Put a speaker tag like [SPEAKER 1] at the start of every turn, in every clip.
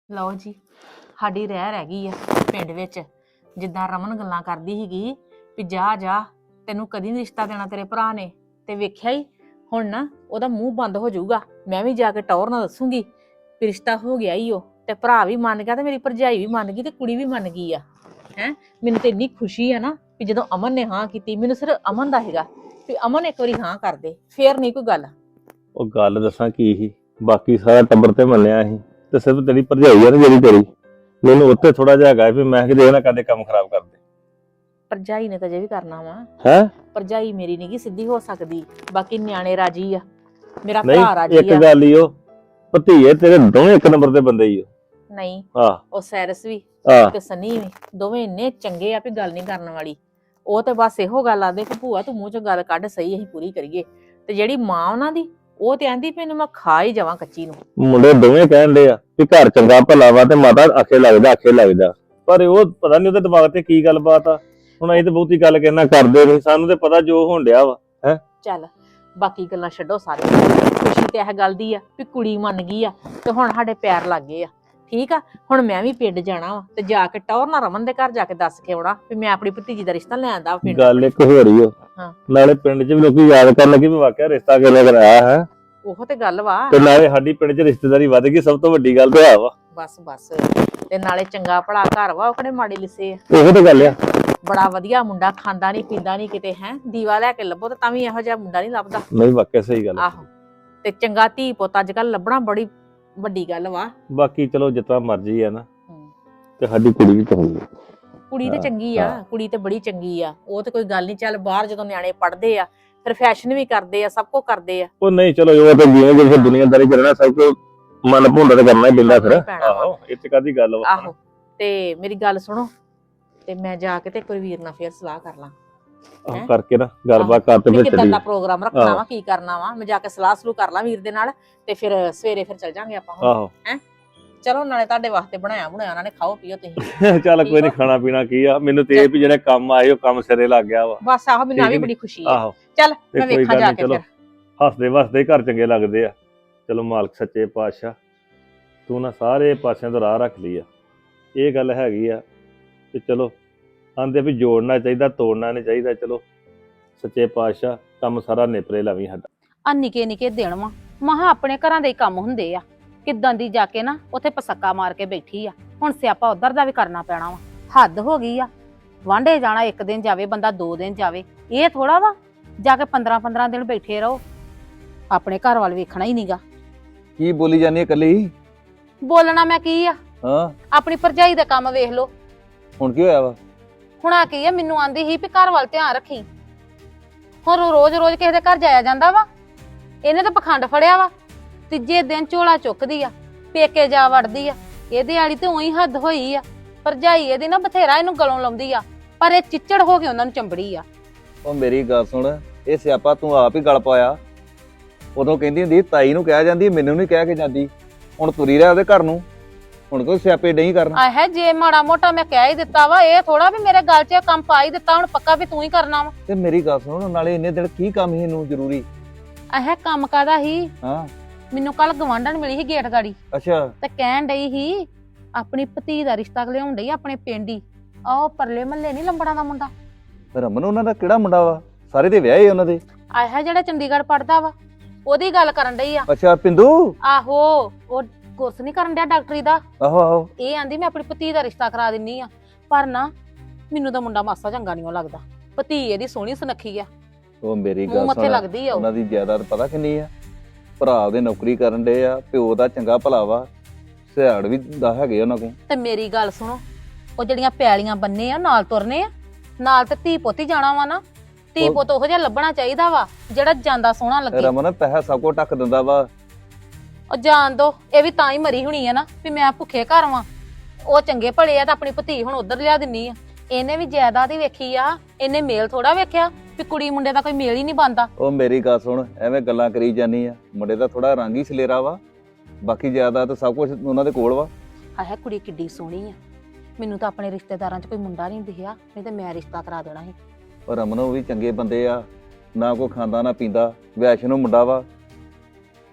[SPEAKER 1] ਲਓ ਜੀ, ਸਾਡੀ ਰਹਿ ਗਈ ਆ ਪਿੰਡ ਵਿੱਚ। ਜਿੱਦਾਂ ਰਮਨ ਗੱਲਾਂ ਕਰਦੀ ਸੀਗੀ ਵੀ ਜਾ ਜਾ ਤੈਨੂੰ ਕਦੀ ਨੀ ਰਿਸ਼ਤਾ ਦੇਣਾ ਤੇਰੇ ਭਰਾ ਨੇ, ਤੇ ਵੇਖਿਆ ਹੀ ਹੁਣ ਨਾ ਉਹਦਾ ਮੂੰਹ ਬੰਦ ਹੋ ਜਾਊਗਾ। ਮੈਂ ਵੀ ਜਾ ਕੇ ਟੌਰ ਨਾਲ ਦੱਸੂਗੀ ਵੀ ਰਿਸ਼ਤਾ ਹੋ ਗਿਆ ਹੀ ਉਹ, ਤੇ ਭਰਾ ਵੀ ਮੰਨ ਗਿਆ ਤੇ ਮੇਰੀ ਭਰਜਾਈ ਵੀ ਮੰਨ ਗਈ ਤੇ ਕੁੜੀ ਵੀ ਮੰਨ ਗਈ ਆ। ਹੈ ਮੈਨੂੰ ਤੇ ਇੰਨੀ ਖੁਸ਼ੀ ਆ ਨਾ ਵੀ ਜਦੋਂ ਅਮਨ ਨੇ ਹਾਂ ਕੀਤੀ, ਮੈਨੂੰ ਸਿਰਫ ਅਮਨ ਦਾ ਹੈਗਾ ਵੀ ਅਮਨ ਇੱਕ ਵਾਰੀ ਹਾਂ ਕਰ ਦੇ, ਫੇਰ ਨਹੀਂ ਕੋਈ ਗੱਲ।
[SPEAKER 2] ਉਹ ਗੱਲ ਦੱਸਾਂ ਕੀ ਸੀ, ਬਾਕੀ ਸਾਰਾ ਟੱਬਰ ਤੇ ਮੰਨਿਆ ਸੀ ਤੇ ਸਿਰਫ ਤੇਰੀ ਭਰਜਾਈ ਆ ਨਾ ਜਿਹੜੀ ਤੇਰੀ, ਮੈਨੂੰ ਉੱਥੇ ਥੋੜਾ ਜਿਹਾ ਹੈਗਾ ਵੀ ਮੈਂ ਕਿਤੇ ਇਹ ਨਾ ਕਦੇ ਕੰਮ ਖਰਾਬ ਕਰ ਦੇ।
[SPEAKER 1] ਭਰਜਾਈ ਨੇ ਤਾਂ ਜੇ ਵੀ ਕਰਨਾ ਵਾ,
[SPEAKER 2] ਹੈ
[SPEAKER 1] ਭਰਜਾਈ ਮੇਰੀ ਨੀ ਗੀ ਸਿੱਧੀ ਹੋ ਸਕਦੀ, ਬਾਕੀ ਨਿਆਣੇ ਰਾਜੀ ਆ, ਮੇਰਾ
[SPEAKER 2] ਨਹੀਂ
[SPEAKER 1] ਭਰਾ ਰਾਜੀ
[SPEAKER 2] ਇੱਕ
[SPEAKER 1] ਆ।
[SPEAKER 2] ਗੱਲ ਹੀ ਉਹ ਭਤੀਏ ਤੇਰੇ ਦੋਵੇਂ ਇੱਕ ਨੰਬਰ ਦੇ ਬੰਦੇ ਹੀ ਉਹ।
[SPEAKER 1] ਨਹੀਂ
[SPEAKER 2] ਆਹ
[SPEAKER 1] ਉਹ ਸੈਰਸ ਵੀ
[SPEAKER 2] ਆਹ
[SPEAKER 1] ਤੇ ਸਨੀ ਵੀ ਦੋਵੇਂ ਇੰਨੇ ਚੰਗੇ ਆ ਵੀ ਗੱਲ ਨਹੀਂ ਕਰਨ ਵਾਲੀ। ਉਹ ਤੇ ਬਸ ਇਹੋ ਗੱਲ ਆਦੇ ਕਿ ਭੂਆ ਤੂੰ ਮੂੰਹ ਚੋਂ ਗੱਲ ਕੱਢ, ਸਹੀ ਅਸੀਂ ਪੂਰੀ ਕਰੀਏ। ਤੇ ਜਿਹੜੀ ਮਾਂ ਉਹਨਾਂ ਦੀ, ਉਹ ਤੇ ਆਂਦੀ ਵੀ ਇਹਨੂੰ ਮੈਂ ਖਾ ਹੀ ਜਾਵਾਂ ਕੱਚੀ ਨੂੰ।
[SPEAKER 2] ਮੁੰਡੇ ਦੋਵੇਂ ਕਹਿਣ ਦੇ ਆ ਵੀ ਘਰ ਚੰਗਾ ਭਲਾ ਵਾ ਤੇ ਮਾਤਾ ਆਖੇ ਲੱਗਦਾ, ਪਰ ਉਹ ਪਤਾ ਨਹੀਂ ਉਹਦੇ ਦਿਮਾਗ ਤੇ ਕੀ ਗੱਲਬਾਤ ਆ। ਹੁਣ ਅਸੀਂ ਤੇ ਬਹੁਤੀ ਗੱਲ ਕਹਿਣਾ ਕਰਦੇ ਨਹੀਂ, ਸਾਨੂੰ ਤੇ ਪਤਾ ਜੋ ਹੋਣ ਡਿਆ ਵਾ।
[SPEAKER 1] ਚੱਲ ਬਾਕੀ ਗੱਲਾਂ ਛੱਡੋ ਸਾਰੀਆਂ, ਖੁਸ਼ੀ ਤੇ ਇਹ ਗੱਲ ਦੀ ਆ ਵੀ ਕੁੜੀ ਮੰਨ ਗਈ ਆ ਤੇ ਹੁਣ ਸਾਡੇ ਪੈਰ ਲੱਗ ਗਏ ਆ। ਠੀਕ ਆ, ਹੁਣ ਮੈਂ ਵੀ ਪਿੰਡ ਜਾਣਾ ਵਾ ਤੇ ਜਾ ਕੇ ਟੌਰ ਨਾਲ ਰਮਨ ਦੇ ਘਰ ਜਾ ਕੇ ਦੱਸ ਕੇ ਆਉਣਾ ਵੀ ਮੈਂ ਆਪਣੀ ਭਤੀਜੀ ਦਾ ਰਿਸ਼ਤਾ ਲੈ ਆਂਦਾ ਪਿੰਡ।
[SPEAKER 2] ਗੱਲ ਇੱਕ ਹੋ ਰਹੀ ਓ,
[SPEAKER 1] ਹਾਂ।
[SPEAKER 2] ਨਾਲੇ ਪਿੰਡ 'ਚ ਵੀ ਲੋਕੀ ਯਾਦ ਕਰਨ ਲੱਗੇ ਵੀ ਵਾਕਿਆ ਰਿਸ਼ਤਾ ਕਿਹਨੇ ਕਰਾਇਆ ਹੈ,
[SPEAKER 1] ਉਹ ਤੇ ਗੱਲ ਵਾ।
[SPEAKER 2] ਤੇ ਨਾਲੇ ਸਾਡੀ ਪਿੰਡ 'ਚ ਰਿਸ਼ਤੇਦਾਰੀ ਵੱਧ ਗਈ, ਸਭ ਤੋਂ ਵੱਡੀ ਗੱਲ ਤੇ ਆ ਵਾ।
[SPEAKER 1] ਬਸ ਤੇ ਨਾਲੇ ਚੰਗਾ ਭਲਾ ਘਰ ਵਾ, ਉਹ ਕਿਹੜੇ ਮਾੜੇ ਲਿਸੇ ਆ।
[SPEAKER 2] ਉਹੋ ਤੇ ਗੱਲ ਆ।
[SPEAKER 1] ਬੜਾ ਵਧੀਆ ਮੁੰਡਾ, ਖਾਂਦਾ ਨਹੀਂ ਪੀਂਦਾ ਨਹੀਂ ਕਿਤੇ, ਹੈ ਦੀਵਾ ਲੈ ਕੇ ਲੱਭੋ ਤਾਂ ਵੀ ਇਹੋ ਜਿਹਾ ਮੁੰਡਾ ਨਹੀਂ ਲੱਭਦਾ।
[SPEAKER 2] ਨਹੀਂ ਵਾਕਿਆ ਸਹੀ ਗੱਲ।
[SPEAKER 1] ਆਹੋ, ਤੇ ਚੰਗਾ ਧੀ ਪੁੱਤ ਅੱਜ ਕੱਲ ਲੱਭਣਾ ਬੜੀ ਵੱਡੀ ਗੱਲ ਵਾ।
[SPEAKER 2] ਬਾਕੀ ਚਲੋ ਜਿੱਦਾਂ ਮਰਜ਼ੀ ਆ ਨਾ, ਤੇ ਸਾਡੀ ਕੁੜੀ ਵੀ ਚੰਗੀ ਆ।
[SPEAKER 1] ਕੁੜੀ ਤੇ ਚੰਗੀ ਆ, ਕੁੜੀ ਤੇ ਬੜੀ ਚੰਗੀ ਆ, ਉਹ ਤੇ ਕੋਈ ਗੱਲ ਨਹੀਂ। ਚੱਲ ਬਾਹਰ ਜਦੋਂ ਨਿਆਣੇ ਪੜ੍ਹਦੇ ਆ ਫਿਰ ਫੈਸ਼ਨ ਵੀ ਕਰਦੇ ਆ, ਸਭ ਕੁਝ ਕਰਦੇ ਆ।
[SPEAKER 2] ਉਹ ਨਹੀਂ ਚਲੋ ਉਹ ਤਾਂ ਜਿਵੇਂ ਜਿਵੇਂ ਦੁਨੀਆਦਾਰੀ ਕਰਨਾ, ਸਭ ਕੁਝ ਮਨ ਭੁੰਡਾ ਤੇ ਕਰਨਾ ਹੀ ਪੈਂਦਾ ਫਿਰ। ਆਹੋ ਇਹ ਚ ਕਾਦੀ ਗੱਲ ਵਾ।
[SPEAKER 1] ਆਹੋ ਤੇ ਮੇਰੀ ਗੱਲ ਸੁਣੋ, ਤੇ ਮੈਂ ਜਾ ਕੇ ਤੇ ਇੱਕ ਵਾਰੀ ਵੀਰ ਨਾਲ ਫੇਰ ਸਲਾਹ ਕਰ ਲਾਂ।
[SPEAKER 2] ਆਹ ਕਰਕੇ ਨਾ ਗੱਲਬਾਤ ਕਰ ਤੇ ਫਿਰ
[SPEAKER 1] ਕਿੱਦਾਂ
[SPEAKER 2] ਚੱਲੀ।
[SPEAKER 1] ਦਾ ਪ੍ਰੋਗਰਾਮ ਰੱਖਣਾ ਵਾ, ਕੀ ਕਰਨਾ ਵਾ, ਮੈਂ ਜਾ ਕੇ ਸਲਾਹ ਸਲੂ ਕਰ ਲਾਂ ਵੀਰ ਦੇ ਨਾਲ, ਤੇ ਫਿਰ ਸਵੇਰੇ ਫਿਰ ਚੱਲ ਜਾਾਂਗੇ ਆਪਾਂ।
[SPEAKER 2] ਆਹੋ
[SPEAKER 1] ਹੈ ਚਲੋ, ਨਾਲੇ ਤੁਹਾਡੇ ਵਾਸਤੇ ਬਣਾਇਆ ਉਹਨਾਂ ਨੇ, ਖਾਓ ਪੀਓ ਤੁਸੀਂ।
[SPEAKER 2] ਚੱਲ ਕੋਈ ਨਹੀਂ, ਖਾਣਾ ਪੀਣਾ ਕੀ ਆ, ਮੈਨੂੰ ਤੇ ਇਹ ਵੀ ਜਿਹੜੇ ਕੰਮ ਆਏ ਉਹ ਕੰਮ ਸਿਰੇ ਲੱਗ ਗਿਆ ਵਾ।
[SPEAKER 1] ਬਸ ਆਹੋ, ਮੈਨੂੰ ਆ ਵੀ ਬੜੀ ਖੁਸ਼ੀ ਆ।
[SPEAKER 2] ਆਹੋ
[SPEAKER 1] ਚੱਲ ਮੈਂ ਵੇਖਾਂ ਜਾ ਕੇ ਫਿਰ।
[SPEAKER 2] ਹੱਸਦੇ ਵਸਦੇ ਘਰ ਚੰਗੇ ਲੱਗਦੇ ਆ। ਚਲੋ ਮਾਲਕ ਸੱਚੇ ਪਾਤਸ਼ਾਹ ਤੂੰ ਨਾ ਸਾਰੇ ਪਾਸਿਆਂ ਤੋਂ ਰਾਹ ਰੱਖ ਲਈ ਆ। ਇਹ ਗੱਲ ਹੈਗੀ ਆ ਤੇ ਚਲੋ ਆਂਦੇ ਵੀ ਜੋੜਨਾ ਚਾਹੀਦਾ, ਤੋੜਨਾ ਨਹੀਂ ਚਾਹੀਦਾ। ਚਲੋ ਸੱਚੇ ਪਾਤਸ਼ਾਹ ਕੰਮ ਸਾਰਾ ਨਿਪਰੇ ਲਾਵੀਂ ਸਾਡਾ।
[SPEAKER 3] ਆ ਨਿੱਕੇ ਨਿੱਕੇ ਦਿਨ ਵਾ, ਮਹਾ ਆਪਣੇ ਘਰਾਂ ਦੇ ਹੀ ਕੰਮ ਹੁੰਦੇ ਆ। ਕਿੱਦਾਂ ਦੀ ਜਾ ਕੇ ਨਾ ਉੱਥੇ ਪਸੱਕਾ ਮਾਰ ਕੇ ਬੈਠੀ ਆ। ਹੁਣ ਸਿਆਪਾ ਉਧਰ ਦਾ ਵੀ ਕਰਨਾ ਪੈਣਾ ਵਾ। ਹੱਦ ਹੋ ਗਈ ਆ। ਵਾਂਢੇ ਜਾਣਾ ਇੱਕ ਦਿਨ ਜਾਵੇ ਬੰਦਾ, 2 ਦਿਨ ਜਾਵੇ, ਇਹ ਥੋੜਾ ਵਾ ਜਾ ਕੇ 15-15 ਦਿਨ ਬੈਠੇ ਰਹੋ। ਆਪਣੇ ਘਰ ਵੱਲ ਵੇਖਣਾ ਹੀ ਨਹੀਂਗਾ।
[SPEAKER 4] ਕੀ ਬੋਲੀ ਜਾਨੀ ਇਕੱਲੀ?
[SPEAKER 3] ਬੋਲਣਾ ਮੈਂ ਕੀ ਆ,
[SPEAKER 4] ਹਾਂ
[SPEAKER 3] ਆਪਣੀ ਭਰਜਾਈ ਦਾ ਕੰਮ ਵੇਖ ਲੋ।
[SPEAKER 4] ਹੁਣ ਕੀ ਹੋਇਆ ਵਾ?
[SPEAKER 3] ਹੁਣ ਆ ਕੀ ਆ, ਮੈਨੂੰ ਆਂਦੀ ਸੀ ਵੀ ਘਰ ਵੱਲ ਧਿਆਨ ਰੱਖੀ। ਹੁਣ ਰੋਜ਼ ਕਿਸੇ ਦੇ ਘਰ ਜਾਇਆ ਜਾਂਦਾ ਵਾ? ਇਹਨੇ ਤਾਂ ਪਖੰਡ ਫੜਿਆ ਵਾ। ਤੀਜੇ ਦਿਨ ਝੋਲਾ ਚੁੱਕਦੀ ਆ, ਪੇਕੇ ਜਾ ਵੜਦੀ ਆ। ਇਹਦੇ ਵਾਲੀ ਤੇ ਉਹੀ ਹੱਦ ਹੋਈ ਆ। ਭਰਜਾਈ ਇਹਦੀ ਨਾ ਬਥੇਰਾ ਇਹਨੂੰ ਗਲੋਂ ਲਾਉਂਦੀ ਆ, ਪਰ ਇਹ ਚਿੱਚੜ ਹੋ ਕੇ ਉਹਨਾਂ ਨੂੰ ਚੰਬੜੀ ਆ।
[SPEAKER 4] ਉਹ ਮੇਰੀ ਗੱਲ ਸੁਣ, ਇਹ ਸਿਆਪਾ ਤੂੰ ਆਪ ਹੀ ਗਲ ਪਾਇਆ। ਉਦੋਂ ਕਹਿੰਦੀ ਹੁੰਦੀ ਤਾਈ ਨੂੰ ਕਹਿ ਜਾਂਦੀ, ਮੈਨੂੰ ਨਹੀਂ ਕਹਿ ਕੇ ਜਾਂਦੀ। ਹੁਣ ਤੁਰੀ ਰਿਹਾ ਉਹਦੇ ਘਰ ਨੂੰ, ਹੁਣ ਕੋਈ ਸਿਆਪੇ ਨਹੀਂ ਕਰਨਾ।
[SPEAKER 3] ਆਹ ਜੇ ਮਾੜਾ ਮੋਟਾ ਮੈਂ ਕਹਿ ਹੀ ਦਿੱਤਾ ਵਾ, ਇਹ ਥੋੜਾ ਵੀ ਮੇਰੇ ਗੱਲ 'ਚ ਕੰਮ ਪਾ ਹੀ ਦਿੱਤਾ, ਹੁਣ ਪੱਕਾ ਵੀ ਤੂੰ ਹੀ ਕਰਨਾ ਵਾ।
[SPEAKER 4] ਤੇ ਮੇਰੀ ਗੱਲ ਸੁਣ, ਨਾਲੇ ਇੰਨੇ ਦਿਨ ਕੀ ਕੰਮ ਸੀ ਇਹਨੂੰ ਜ਼ਰੂਰੀ?
[SPEAKER 3] ਆਹ ਕੰਮ ਕਾਦਾ ਹੀ?
[SPEAKER 4] ਹਾਂ
[SPEAKER 3] ਮੈਨੂੰ ਕੱਲ ਗਵਾਂਢਣ ਮਿਲੀ ਸੀ ਗੇਟ ਗਾੜੀ,
[SPEAKER 4] ਅੱਛਾ
[SPEAKER 3] ਤੇ ਕਹਿਣ ਡਈ ਸੀ ਆਪਣੀ ਭਤੀ ਦਾ ਰਿਸ਼ਤਾ ਲਿਆਉਣ ਡਈ ਆਪਣੇ ਪਿੰਡ ਹੀ। ਆਹ ਪਰਲੇ ਮਹੱਲੇ ਨਹੀਂ ਲੰਬੜਾਂ ਦਾ ਮੁੰਡਾ।
[SPEAKER 4] ਰਮਨ ਉਹਨਾਂ ਦਾ ਕਿਹੜਾ ਮੁੰਡਾ ਵਾ? ਸਾਰੇ ਦੇ ਵਿਆਹੇ ਉਹਨਾਂ ਦੇ।
[SPEAKER 3] ਆਹ ਜਿਹੜਾ ਚੰਡੀਗੜ੍ਹ ਪੜਦਾ ਵਾ, ਉਹਦੀ ਗੱਲ ਕਰਨ ਡਈ ਆ।
[SPEAKER 4] ਅੱਛਾ ਪਿੰਦੂ?
[SPEAKER 3] ਆਹੋ, ਉਹ ਕੋਰਸ ਨਹੀਂ ਕਰਨ ਡਿਆ ਡਾਕਟਰੀ ਦਾ।
[SPEAKER 4] ਆਹੋ ਆਹੋ।
[SPEAKER 3] ਇਹ ਆਂਦੀ ਮੈਂ ਆਪਣੀ ਭਤੀ ਦਾ ਰਿਸ਼ਤਾ ਕਰਾ ਦਿੰਨੀ ਆ, ਪਰ ਨਾ ਮੈਨੂੰ ਤਾਂ ਮੁੰਡਾ ਮਾਸਾ ਚੰਗਾ ਨਹੀਂ ਲੱਗਦਾ। ਭਤੀ ਇਹਦੀ ਸੋਹਣੀ ਸੁਨੱਖੀ ਆ,
[SPEAKER 4] ਉਹ ਮੇਰੀ
[SPEAKER 3] ਮੂੰਹ
[SPEAKER 4] ਗੱਲ
[SPEAKER 3] ਮੱਥੇ
[SPEAKER 4] ਸੁਣ,
[SPEAKER 3] ਲੱਗਦੀ ਆ ਉਹ।
[SPEAKER 4] ਉਹਨਾਂ ਦੀ ਜਾਇਦਾਦ ਪਤਾ ਕਿੰਨੀ ਆ? ਭਰਾ ਉਹਦੇ ਨੌਕਰੀ ਕਰਨ ਦੇ ਆ, ਪਿਓ ਦਾ ਚੰਗਾ ਭਲਾ ਵਾ, ਸਿਆੜ ਵੀ ਦਾ ਹੈਗੇ ਉਹਨਾਂ ਕੋਲ।
[SPEAKER 3] ਤੇ ਮੇਰੀ ਗੱਲ ਸੁਣੋ, ਉਹ ਜਿਹੜੀਆਂ ਪੈਲੀਆਂ ਬੰਨੇ ਆ ਨਾਲ ਤੁਰਨੇ ਆ, ਨਾਲ ਤੇ ਧੀ ਪੁੱਤ ਹੀ ਜਾਣਾ ਵਾ ਨਾ। ਧੀ ਪੁੱਤ ਉਹੋ ਜਿਹਾ ਲੱਭਣਾ ਚਾਹੀਦਾ ਵਾ ਜਿਹੜਾ ਜਾਂਦਾ ਸੋਹਣਾ ਲੱਗੇ।
[SPEAKER 4] ਰਮਨ ਪੈਸਾ ਸਭ ਕੁਝ ਢੱਕ ਦਿੰਦਾ ਵਾ।
[SPEAKER 3] ਉਹ ਜਾਣ ਦੋ, ਇਹ ਵੀ ਤਾਂ ਹੀ ਮਰੀ ਹੋਣੀ ਆ ਨਾ ਵੀ ਮੈਂ ਭੁੱਖੇ ਘਰ ਵਾਂ। ਉਹ ਚੰਗੇ ਭਲੇ ਆ ਤਾਂ ਆਪਣੀ ਭਤੀ ਹੁਣ ਉਧਰ ਲਿਆ ਦਿੰਨੀ ਆ। ਇਹਨੇ ਵੀ ਜਾਇਦਾਦ ਹੀ ਵੇਖੀ ਆ, ਇਹਨੇ ਮੇਲ ਥੋੜਾ ਵੇਖਿਆ ਵੀ ਕੁੜੀ ਮੁੰਡੇ ਦਾ ਕੋਈ ਮੇਲ ਹੀ ਨਹੀਂ ਬਣਦਾ।
[SPEAKER 4] ਉਹ ਮੇਰੀ ਗੱਲ ਸੁਣ, ਐਵੇਂ ਗੱਲਾਂ ਕਰੀ ਜਾਨੀ ਆ। ਮੁੰਡੇ ਦਾ ਥੋੜਾ ਰੰਗ ਹੀ ਸਲੇਰਾ ਵਾ, ਬਾਕੀ ਜਾਇਦਾਦ ਤਾਂ ਸਭ ਕੁਝ ਉਹਨਾਂ ਦੇ ਕੋਲ ਵਾ।
[SPEAKER 3] ਹਾਏ ਕੁੜੀ ਕਿੱਡੀ ਸੋਹਣੀ ਆ। ਮੈਨੂੰ ਤਾਂ ਆਪਣੇ ਰਿਸ਼ਤੇਦਾਰਾਂ 'ਚ ਕੋਈ ਮੁੰਡਾ ਨਹੀਂ ਦਿਖਿਆ, ਨਹੀਂ ਤੇ ਮੈਂ ਰਿਸ਼ਤਾ ਕਰਾ ਦੇਣਾ ਸੀ।
[SPEAKER 4] ਪਰ ਰਮਨ ਉਹ ਵੀ ਚੰਗੇ ਬੰਦੇ ਆ, ਨਾ ਕੋਈ ਖਾਂਦਾ ਨਾ ਪੀਂਦਾ, ਵੈਸ਼ਨੋ ਮੁੰਡਾ ਵਾ।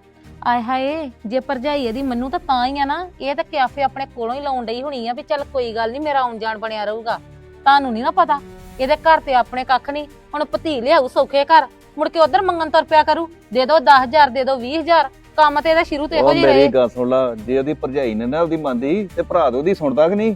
[SPEAKER 3] ਆਏ ਹਾਏ ਜੇ ਭਰਜਾਈ ਇਹਦੀ ਮੰਨੂ ਤਾਂ ਹੀ ਆ ਨਾ। ਇਹ ਤਾਂ ਕਿਆਫੇ ਆਪਣੇ ਕੋਲੋਂ ਹੀ ਲਾਉਣ ਡਈ ਹੋਣੀ ਆ ਵੀ ਚੱਲ ਕੋਈ ਗੱਲ ਨਹੀਂ ਮੇਰਾ ਆਉਣ ਜਾਣ ਬਣਿਆ ਰਹੂਗਾ। ਤੁਹਾਨੂੰ ਨਹੀਂ ਨਾ ਪਤਾ ਇਹਦੇ ਘਰ ਤੇ ਆਪਣੇ ਕੱਖ ਨਹੀਂ। ਹੁਣ ਭਤੀ ਲਿਆਊ ਸੌਖੇ ਘਰ, ਮੁੜ ਕੇ ਉਧਰ ਮੰਗਣ ਤੁਰ ਪਿਆ ਕਰੂ, ਦੇ ਦੋ 10,000 ਦੇ ਦੋ 20,000। ਕੰਮ ਤੇ ਇਹਦਾ ਸ਼ੁਰੂ ਤੋਂ ਇਹੋ
[SPEAKER 4] ਉਹ
[SPEAKER 3] ਜਿਹੀ ਰਹੇ।
[SPEAKER 4] ਮੇਰੀ ਗੱਲ ਸੁਣ ਲਾ, ਜੇ ਉਹਦੀ ਭਰਜਾਈ ਨੇ ਨਾ ਉਹਦੀ ਮੰਨਦੀ ਤੇ ਭਰਾ ਉਹਦੀ ਸੁਣਦਾ ਕਿ ਨਹੀਂ?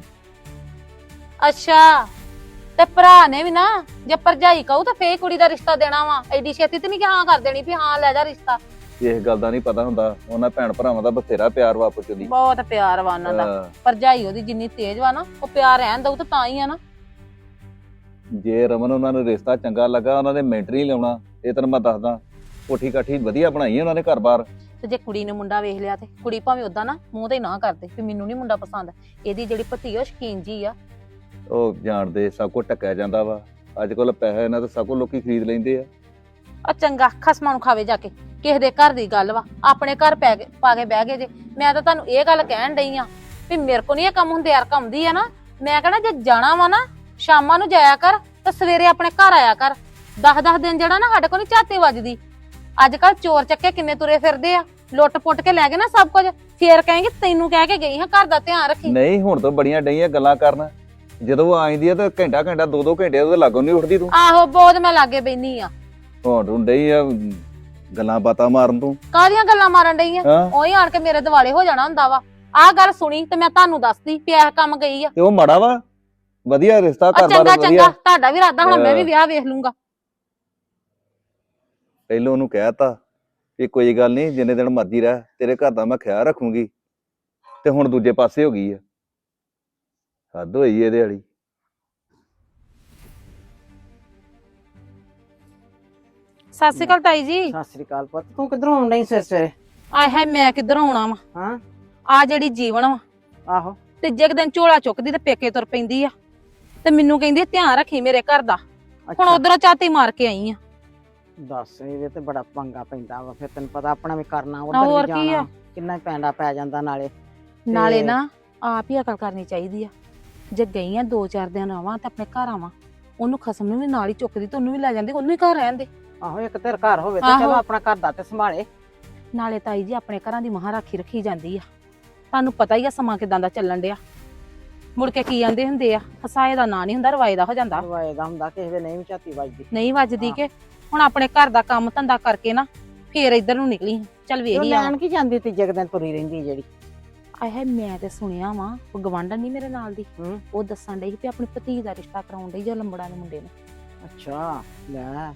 [SPEAKER 3] ਅੱਛਾ ਤੇ ਭਰਾ ਨੇ ਵੀ ਨਾ ਜੇ ਭਰਜਾਈ ਕਹੂ ਤਾਂ ਫੇਰ ਕੁੜੀ ਦਾ ਰਿਸ਼ਤਾ ਦੇਣਾ ਵਾ। ਐਡੀ ਛੇਤੀ ਤੇ ਨਹੀਂ ਕਿ ਹਾਂ ਕਰ ਦੇਣੀ ਵੀ ਹਾਂ ਲੈ ਜਾ ਰਿਸ਼ਤਾ।
[SPEAKER 4] ਇਸ ਗੱਲ ਦਾ ਨਹੀਂ ਪਤਾ ਹੁੰਦਾ, ਉਹਨਾਂ ਭੈਣ ਭਰਾਵਾਂ ਦਾ ਬਥੇਰਾ ਪਿਆਰ ਵਾ ਆਪਸ ਚ।
[SPEAKER 3] ਬਹੁਤ ਪਿਆਰ ਵਾ ਉਹਨਾਂ ਦਾ। ਭਰਜਾਈ ਉਹਦੀ ਜਿੰਨੀ ਤੇਜ਼ ਵਾ ਨਾ, ਉਹ ਪਿਆਰ ਰਹਿਣ ਦਊ ਤਾਂ ਹੀ ਆ ਨਾ।
[SPEAKER 4] ਜੇ ਰਮਨ ਉਹਨਾਂ ਨੂੰ ਰਿਸ਼ਤਾ ਚੰਗਾ ਲੱਗਾ, ਉਹਨਾਂ ਨੇ ਮਿੰਟ ਨਹੀਂ ਲਾਉਣਾ। ਇਹ ਤੈਨੂੰ ਮੈਂ ਦੱਸਦਾ, ਕੋਠੀ ਕਾਠੀ ਵਧੀਆ ਬਣਾਈ ਉਹਨਾਂ ਨੇ ਘਰ-ਬਾਰ।
[SPEAKER 3] ਤੇ ਜੇ ਕੁੜੀ ਨੇ ਮੁੰਡਾ ਵੇਖ ਲਿਆ ਤੇ ਕੁੜੀ ਭਾਵੇਂ ਉਦਾਂ ਨਾ ਮੂੰਹ ਤੇ ਨਾ ਕਰਦੇ ਵੀ ਮੈਨੂੰ ਨਹੀਂ ਮੁੰਡਾ ਪਸੰਦ। ਇਹਦੀ ਜਿਹੜੀ ਭਤੀ ਉਹ ਸ਼ਕੀਨ ਜੀ ਆ।
[SPEAKER 4] ਉਹ ਜਾਣਦੇ ਸਭ ਕੁਝ ਟੱਕਿਆ ਜਾਂਦਾ ਵਾ। ਅੱਜ ਕੱਲ ਪੈਸੇ ਇਹਨਾਂ ਤੋਂ ਸਭ ਕੁਝ ਲੋਕੀ ਖਰੀਦ ਲੈਂਦੇ ਆ।
[SPEAKER 3] ਆ ਚੰਗਾ ਖਸਮਾਂ ਨੂੰ ਖਾਵੇ ਜਾ ਕੇ, ਕਿਸੇ ਦੇ ਘਰ ਦੀ ਗੱਲ ਵਾ, ਆਪਣੇ ਘਰ ਪਾ ਕੇ ਬਹਿ ਗਏ ਜੇ। ਮੈਂ ਤਾਂ ਤੁਹਾਨੂੰ ਇਹ ਗੱਲ ਕਹਿਣ ਡਈ ਆ ਵੀ ਮੇਰੇ ਕੋ ਨਹੀਂ ਇਹ ਕੰਮ ਹੁੰਦੇ। ਯਾਰ ਕੰਮਦੀ ਆ ਨਾ, ਮੈਂ ਕਹਣਾ ਜੇ ਜਾਣਾ ਵਾ ਨਾ ਸ਼ਾਮਾਂ ਨੂੰ ਜਾਇਆ ਕਰ ਤੇ ਸਵੇਰੇ ਆਪਣੇ ਘਰ ਆਇਆ ਕਰ। 10-10 ਦਿਨ ਜਿਹੜਾ ਨਾ ਸਾਡੇ ਕੋਲ ਨਹੀਂ ਝਾਤੀ ਵੱਜਦੀ। ਅੱਜ ਕੱਲ ਚੋਰ ਚੱਕੇ ਕਿੰਨੇ ਤੁਰੇ ਫਿਰਦੇ ਆ, ਲੁੱਟ ਪੁੱਟ ਕੇ ਲੈ ਗਏ ਨਾ ਸਭ ਕੁਝ। ਫੇਰ ਕਹੇਂਗੇ ਤੈਨੂੰ ਕਹਿ ਕੇ ਗਈ ਹਾਂ ਘਰ ਦਾ ਧਿਆਨ ਰੱਖੀ।
[SPEAKER 4] ਨਹੀਂ ਹੁਣ ਤਾਂ ਬੜੀਆਂ ਡਈਆਂ ਗੱਲਾਂ ਕਰਨ। ਜਦੋਂ ਉਹ ਆਈਂਦੀ ਆ ਤਾਂ ਘੰਟਾ 2-2 ਘੰਟੇ ਉਹਦੇ ਲਾਗੋਂ ਨਹੀਂ ਉੱਠਦੀ ਤੂੰ।
[SPEAKER 3] ਆਹੋ ਬਹੁਤ ਮੈਂ ਲਾਗੇ ਬੈਣੀ ਆ।
[SPEAKER 4] ਹੁਣ ਤੂੰ ਡਈ ਆ ਗੱਲਾਂ ਬਾਤਾਂ ਮਾਰਨ ਤੂੰ।
[SPEAKER 3] ਕਾਹਦੀਆਂ ਗੱਲਾਂ ਮਾਰਨ ਡਈ ਆ?
[SPEAKER 4] ਹਾਂ
[SPEAKER 3] ਉਹੀ ਆਣ ਕੇ ਮੇਰੇ ਦਿਵਾਲੇ ਹੋ ਜਾਣਾ ਹੁੰਦਾ ਵਾ। ਆਹ ਗੱਲ ਸੁਣੀ ਤੇ ਮੈਂ ਤੁਹਾਨੂੰ ਦੱਸਦੀ ਵੀ ਇਹ ਕੰਮ ਗਈ ਆ।
[SPEAKER 4] ਤੇ ਉਹ ਮਾੜਾ ਵਾ, ਵਧੀਆ ਰਿਸ਼ਤਾ
[SPEAKER 3] ਆ
[SPEAKER 4] ਘਰ-ਬਾਰ
[SPEAKER 3] ਚੰਗਾ
[SPEAKER 4] ਵਧੀਆ।
[SPEAKER 3] ਚੰਗਾ ਤੁਹਾਡਾ ਵੀ ਇਰਾਦਾ ਹੁਣ ਮੈਂ ਵੀ ਵਿਆਹ ਵੇਖ ਲੂੰਗਾ।
[SPEAKER 4] ਪਹਿਲੋਂ ਉਹਨੂੰ ਕਹਿਤਾ ਕਿ ਕੋਈ ਗੱਲ ਨਹੀਂ, ਜਿੰਨੇ ਦਿਨ ਮਰਜ਼ੀ ਰਹਿ, ਤੇਰੇ ਘਰ ਦਾ ਮੈਂ ਖਿਆਲ ਰੱਖੂੰਗੀ। ਤੇ ਹੁਣ ਦੂਜੇ ਪਾਸੇ ਹੋ ਗਈ ਆ। ਹੱਦ ਹੋਈ ਇਹਦੇ ਵਾਲੀ।
[SPEAKER 3] ਸਤਿ ਸ਼੍ਰੀ ਅਕਾਲ ਤਾਈ ਜੀ।
[SPEAKER 5] ਸਤਿ ਸ੍ਰੀ ਅਕਾਲ ਪੁੱਤ, ਤੂੰ ਕਿੱਧਰੋਂ ਆਉਣ ਡਈ ਸਵੇਰੇ ਸਵੇਰੇ?
[SPEAKER 3] ਆਏ ਹਾਏ ਮੈਂ ਕਿੱਧਰੋਂ ਆਉਣਾ ਵਾ?
[SPEAKER 5] ਹਾਂ
[SPEAKER 3] ਆ ਜਿਹੜੀ ਜੀਵਨ ਵਾ
[SPEAKER 5] ਆਹੋ
[SPEAKER 3] ਤੀਜੇ ਕੁ ਦਿਨ ਝੋਲਾ ਚੁੱਕਦੀ ਤੇ ਪੇਕੇ ਤੁਰ ਪੈਂਦੀ ਆ ਤੇ ਮੈਨੂੰ ਕਹਿੰਦੀ ਧਿਆਨ ਰੱਖੀ ਮੇਰੇ ਘਰ ਦਾ। ਹੁਣ
[SPEAKER 5] ਅੱਛਾ
[SPEAKER 3] ਉਧਰੋਂ ਝਾਤੀ ਮਾਰ ਕੇ ਆਈ ਆ।
[SPEAKER 5] ਦੱਸ, ਇਹ ਤੇ ਬੜਾ ਪੰਗਾ ਪੈਂਦਾ ਵਾ। ਫਿਰ ਤੈਨੂੰ ਪਤਾ ਆਪਣਾ ਵੀ ਕਰਨਾ,
[SPEAKER 3] ਹੋਰ
[SPEAKER 5] ਉਧਰ ਵੀ
[SPEAKER 3] ਕੀ ਆ?
[SPEAKER 5] ਜਾਣਾ, ਕਿੰਨਾ ਪੈਂਡਾ ਪੈ ਜਾਂਦਾ ਨਾਲੇ।
[SPEAKER 3] ਨਾਲੇ ਨਾ ਆਪ ਹੀ ਅਕਲ ਕਰਨੀ ਚਾਹੀਦੀ ਆ। ਜੇ ਗਈ ਆ 2-4 ਦਿਨ ਆਵਾਂ ਤੇ ਆਪਣੇ ਘਰ ਆਵਾਂ, ਉਹਨੂੰ ਖਸਮ ਨੂੰ ਵੀ ਨਾਲ ਹੀ ਚੁੱਕਦੀ ਤੇ ਉਹਨੂੰ ਵੀ ਲੈ ਜਾਂਦੀ, ਉਹਨੂੰ ਹੀ ਘਰ ਰਹਿਣ ਦੇ।
[SPEAKER 5] ਆਹੋ ਇੱਕ ਤੇਰਾ ਘਰ ਹੋਵੇ ਤੇ
[SPEAKER 3] ਆਹੋ।
[SPEAKER 5] ਚਲੋ ਆਪਣਾ ਘਰ ਦਾ ਤੇ ਸੰਭਾਲੇ।
[SPEAKER 3] ਨਾਲੇ ਤਾਈ ਜੀ ਆਪਣੇ ਘਰਾਂ ਦੀ ਮਹਾਂ ਰਾਖੀ ਰੱਖੀ ਜਾਂਦੀ ਆ। ਤੁਹਾਨੂੰ ਪਤਾ ਹੀ ਆ ਸਮਾਂ ਕਿਦਾਂ ਦਾ ਚੱਲਣ ਡਿਆ। ਮੁੜ ਕੇ ਕੀ ਆਂਦੇ ਹੁੰਦੇ ਆ, ਹਸਾਏ ਦਾ ਨਾਂ ਨਹੀਂ ਹੁੰਦਾ ਰਵਾਏ ਦਾ ਹੋ ਜਾਂਦਾ।
[SPEAKER 5] ਰਵਾਏ ਦਾ ਹੁੰਦਾ, ਕਿਸੇ ਦੇ ਨਹੀਂ ਵੀ ਝਾਤੀ ਵੱਜਦੀ।
[SPEAKER 3] ਨਹੀਂ ਵੱਜਦੀ ਕਿ ਹੁਣ ਆਪਣੇ ਘਰ ਦਾ ਕੰਮ ਧੰਦਾ ਕਰਕੇ ਨਾ ਫੇਰ ਇੱਧਰ ਨੂੰ ਨਿਕਲੀ। ਚੱਲ
[SPEAKER 5] ਉਹ
[SPEAKER 3] ਵੇਖੀ ਆ।
[SPEAKER 5] ਲੈਣ ਕੀ ਜਾਂਦੀ ਤੀਜੇ ਕੁ ਦਿਨ ਤੁਰੀ ਰਹਿੰਦੀ ਜਿਹੜੀ।
[SPEAKER 3] ਆਹੇ ਮੈਂ ਤੇ ਸੁਣਿਆ ਵਾ, ਉਹ ਗਵਾਂਢਣ ਨਹੀਂ ਮੇਰੇ ਨਾਲ ਦੀ,
[SPEAKER 5] ਹੂੰ
[SPEAKER 3] ਉਹ ਦੱਸਣ ਡਈ ਵੀ ਆਪਣੀ ਭਤੀ ਦਾ ਰਿਸ਼ਤਾ ਕਰਾਉਣ ਡਈ ਜੋ ਲੰਬੜਾ ਦੇ ਮੁੰਡੇ ਨੂੰ।
[SPEAKER 5] ਅੱਛਾ ਲੈ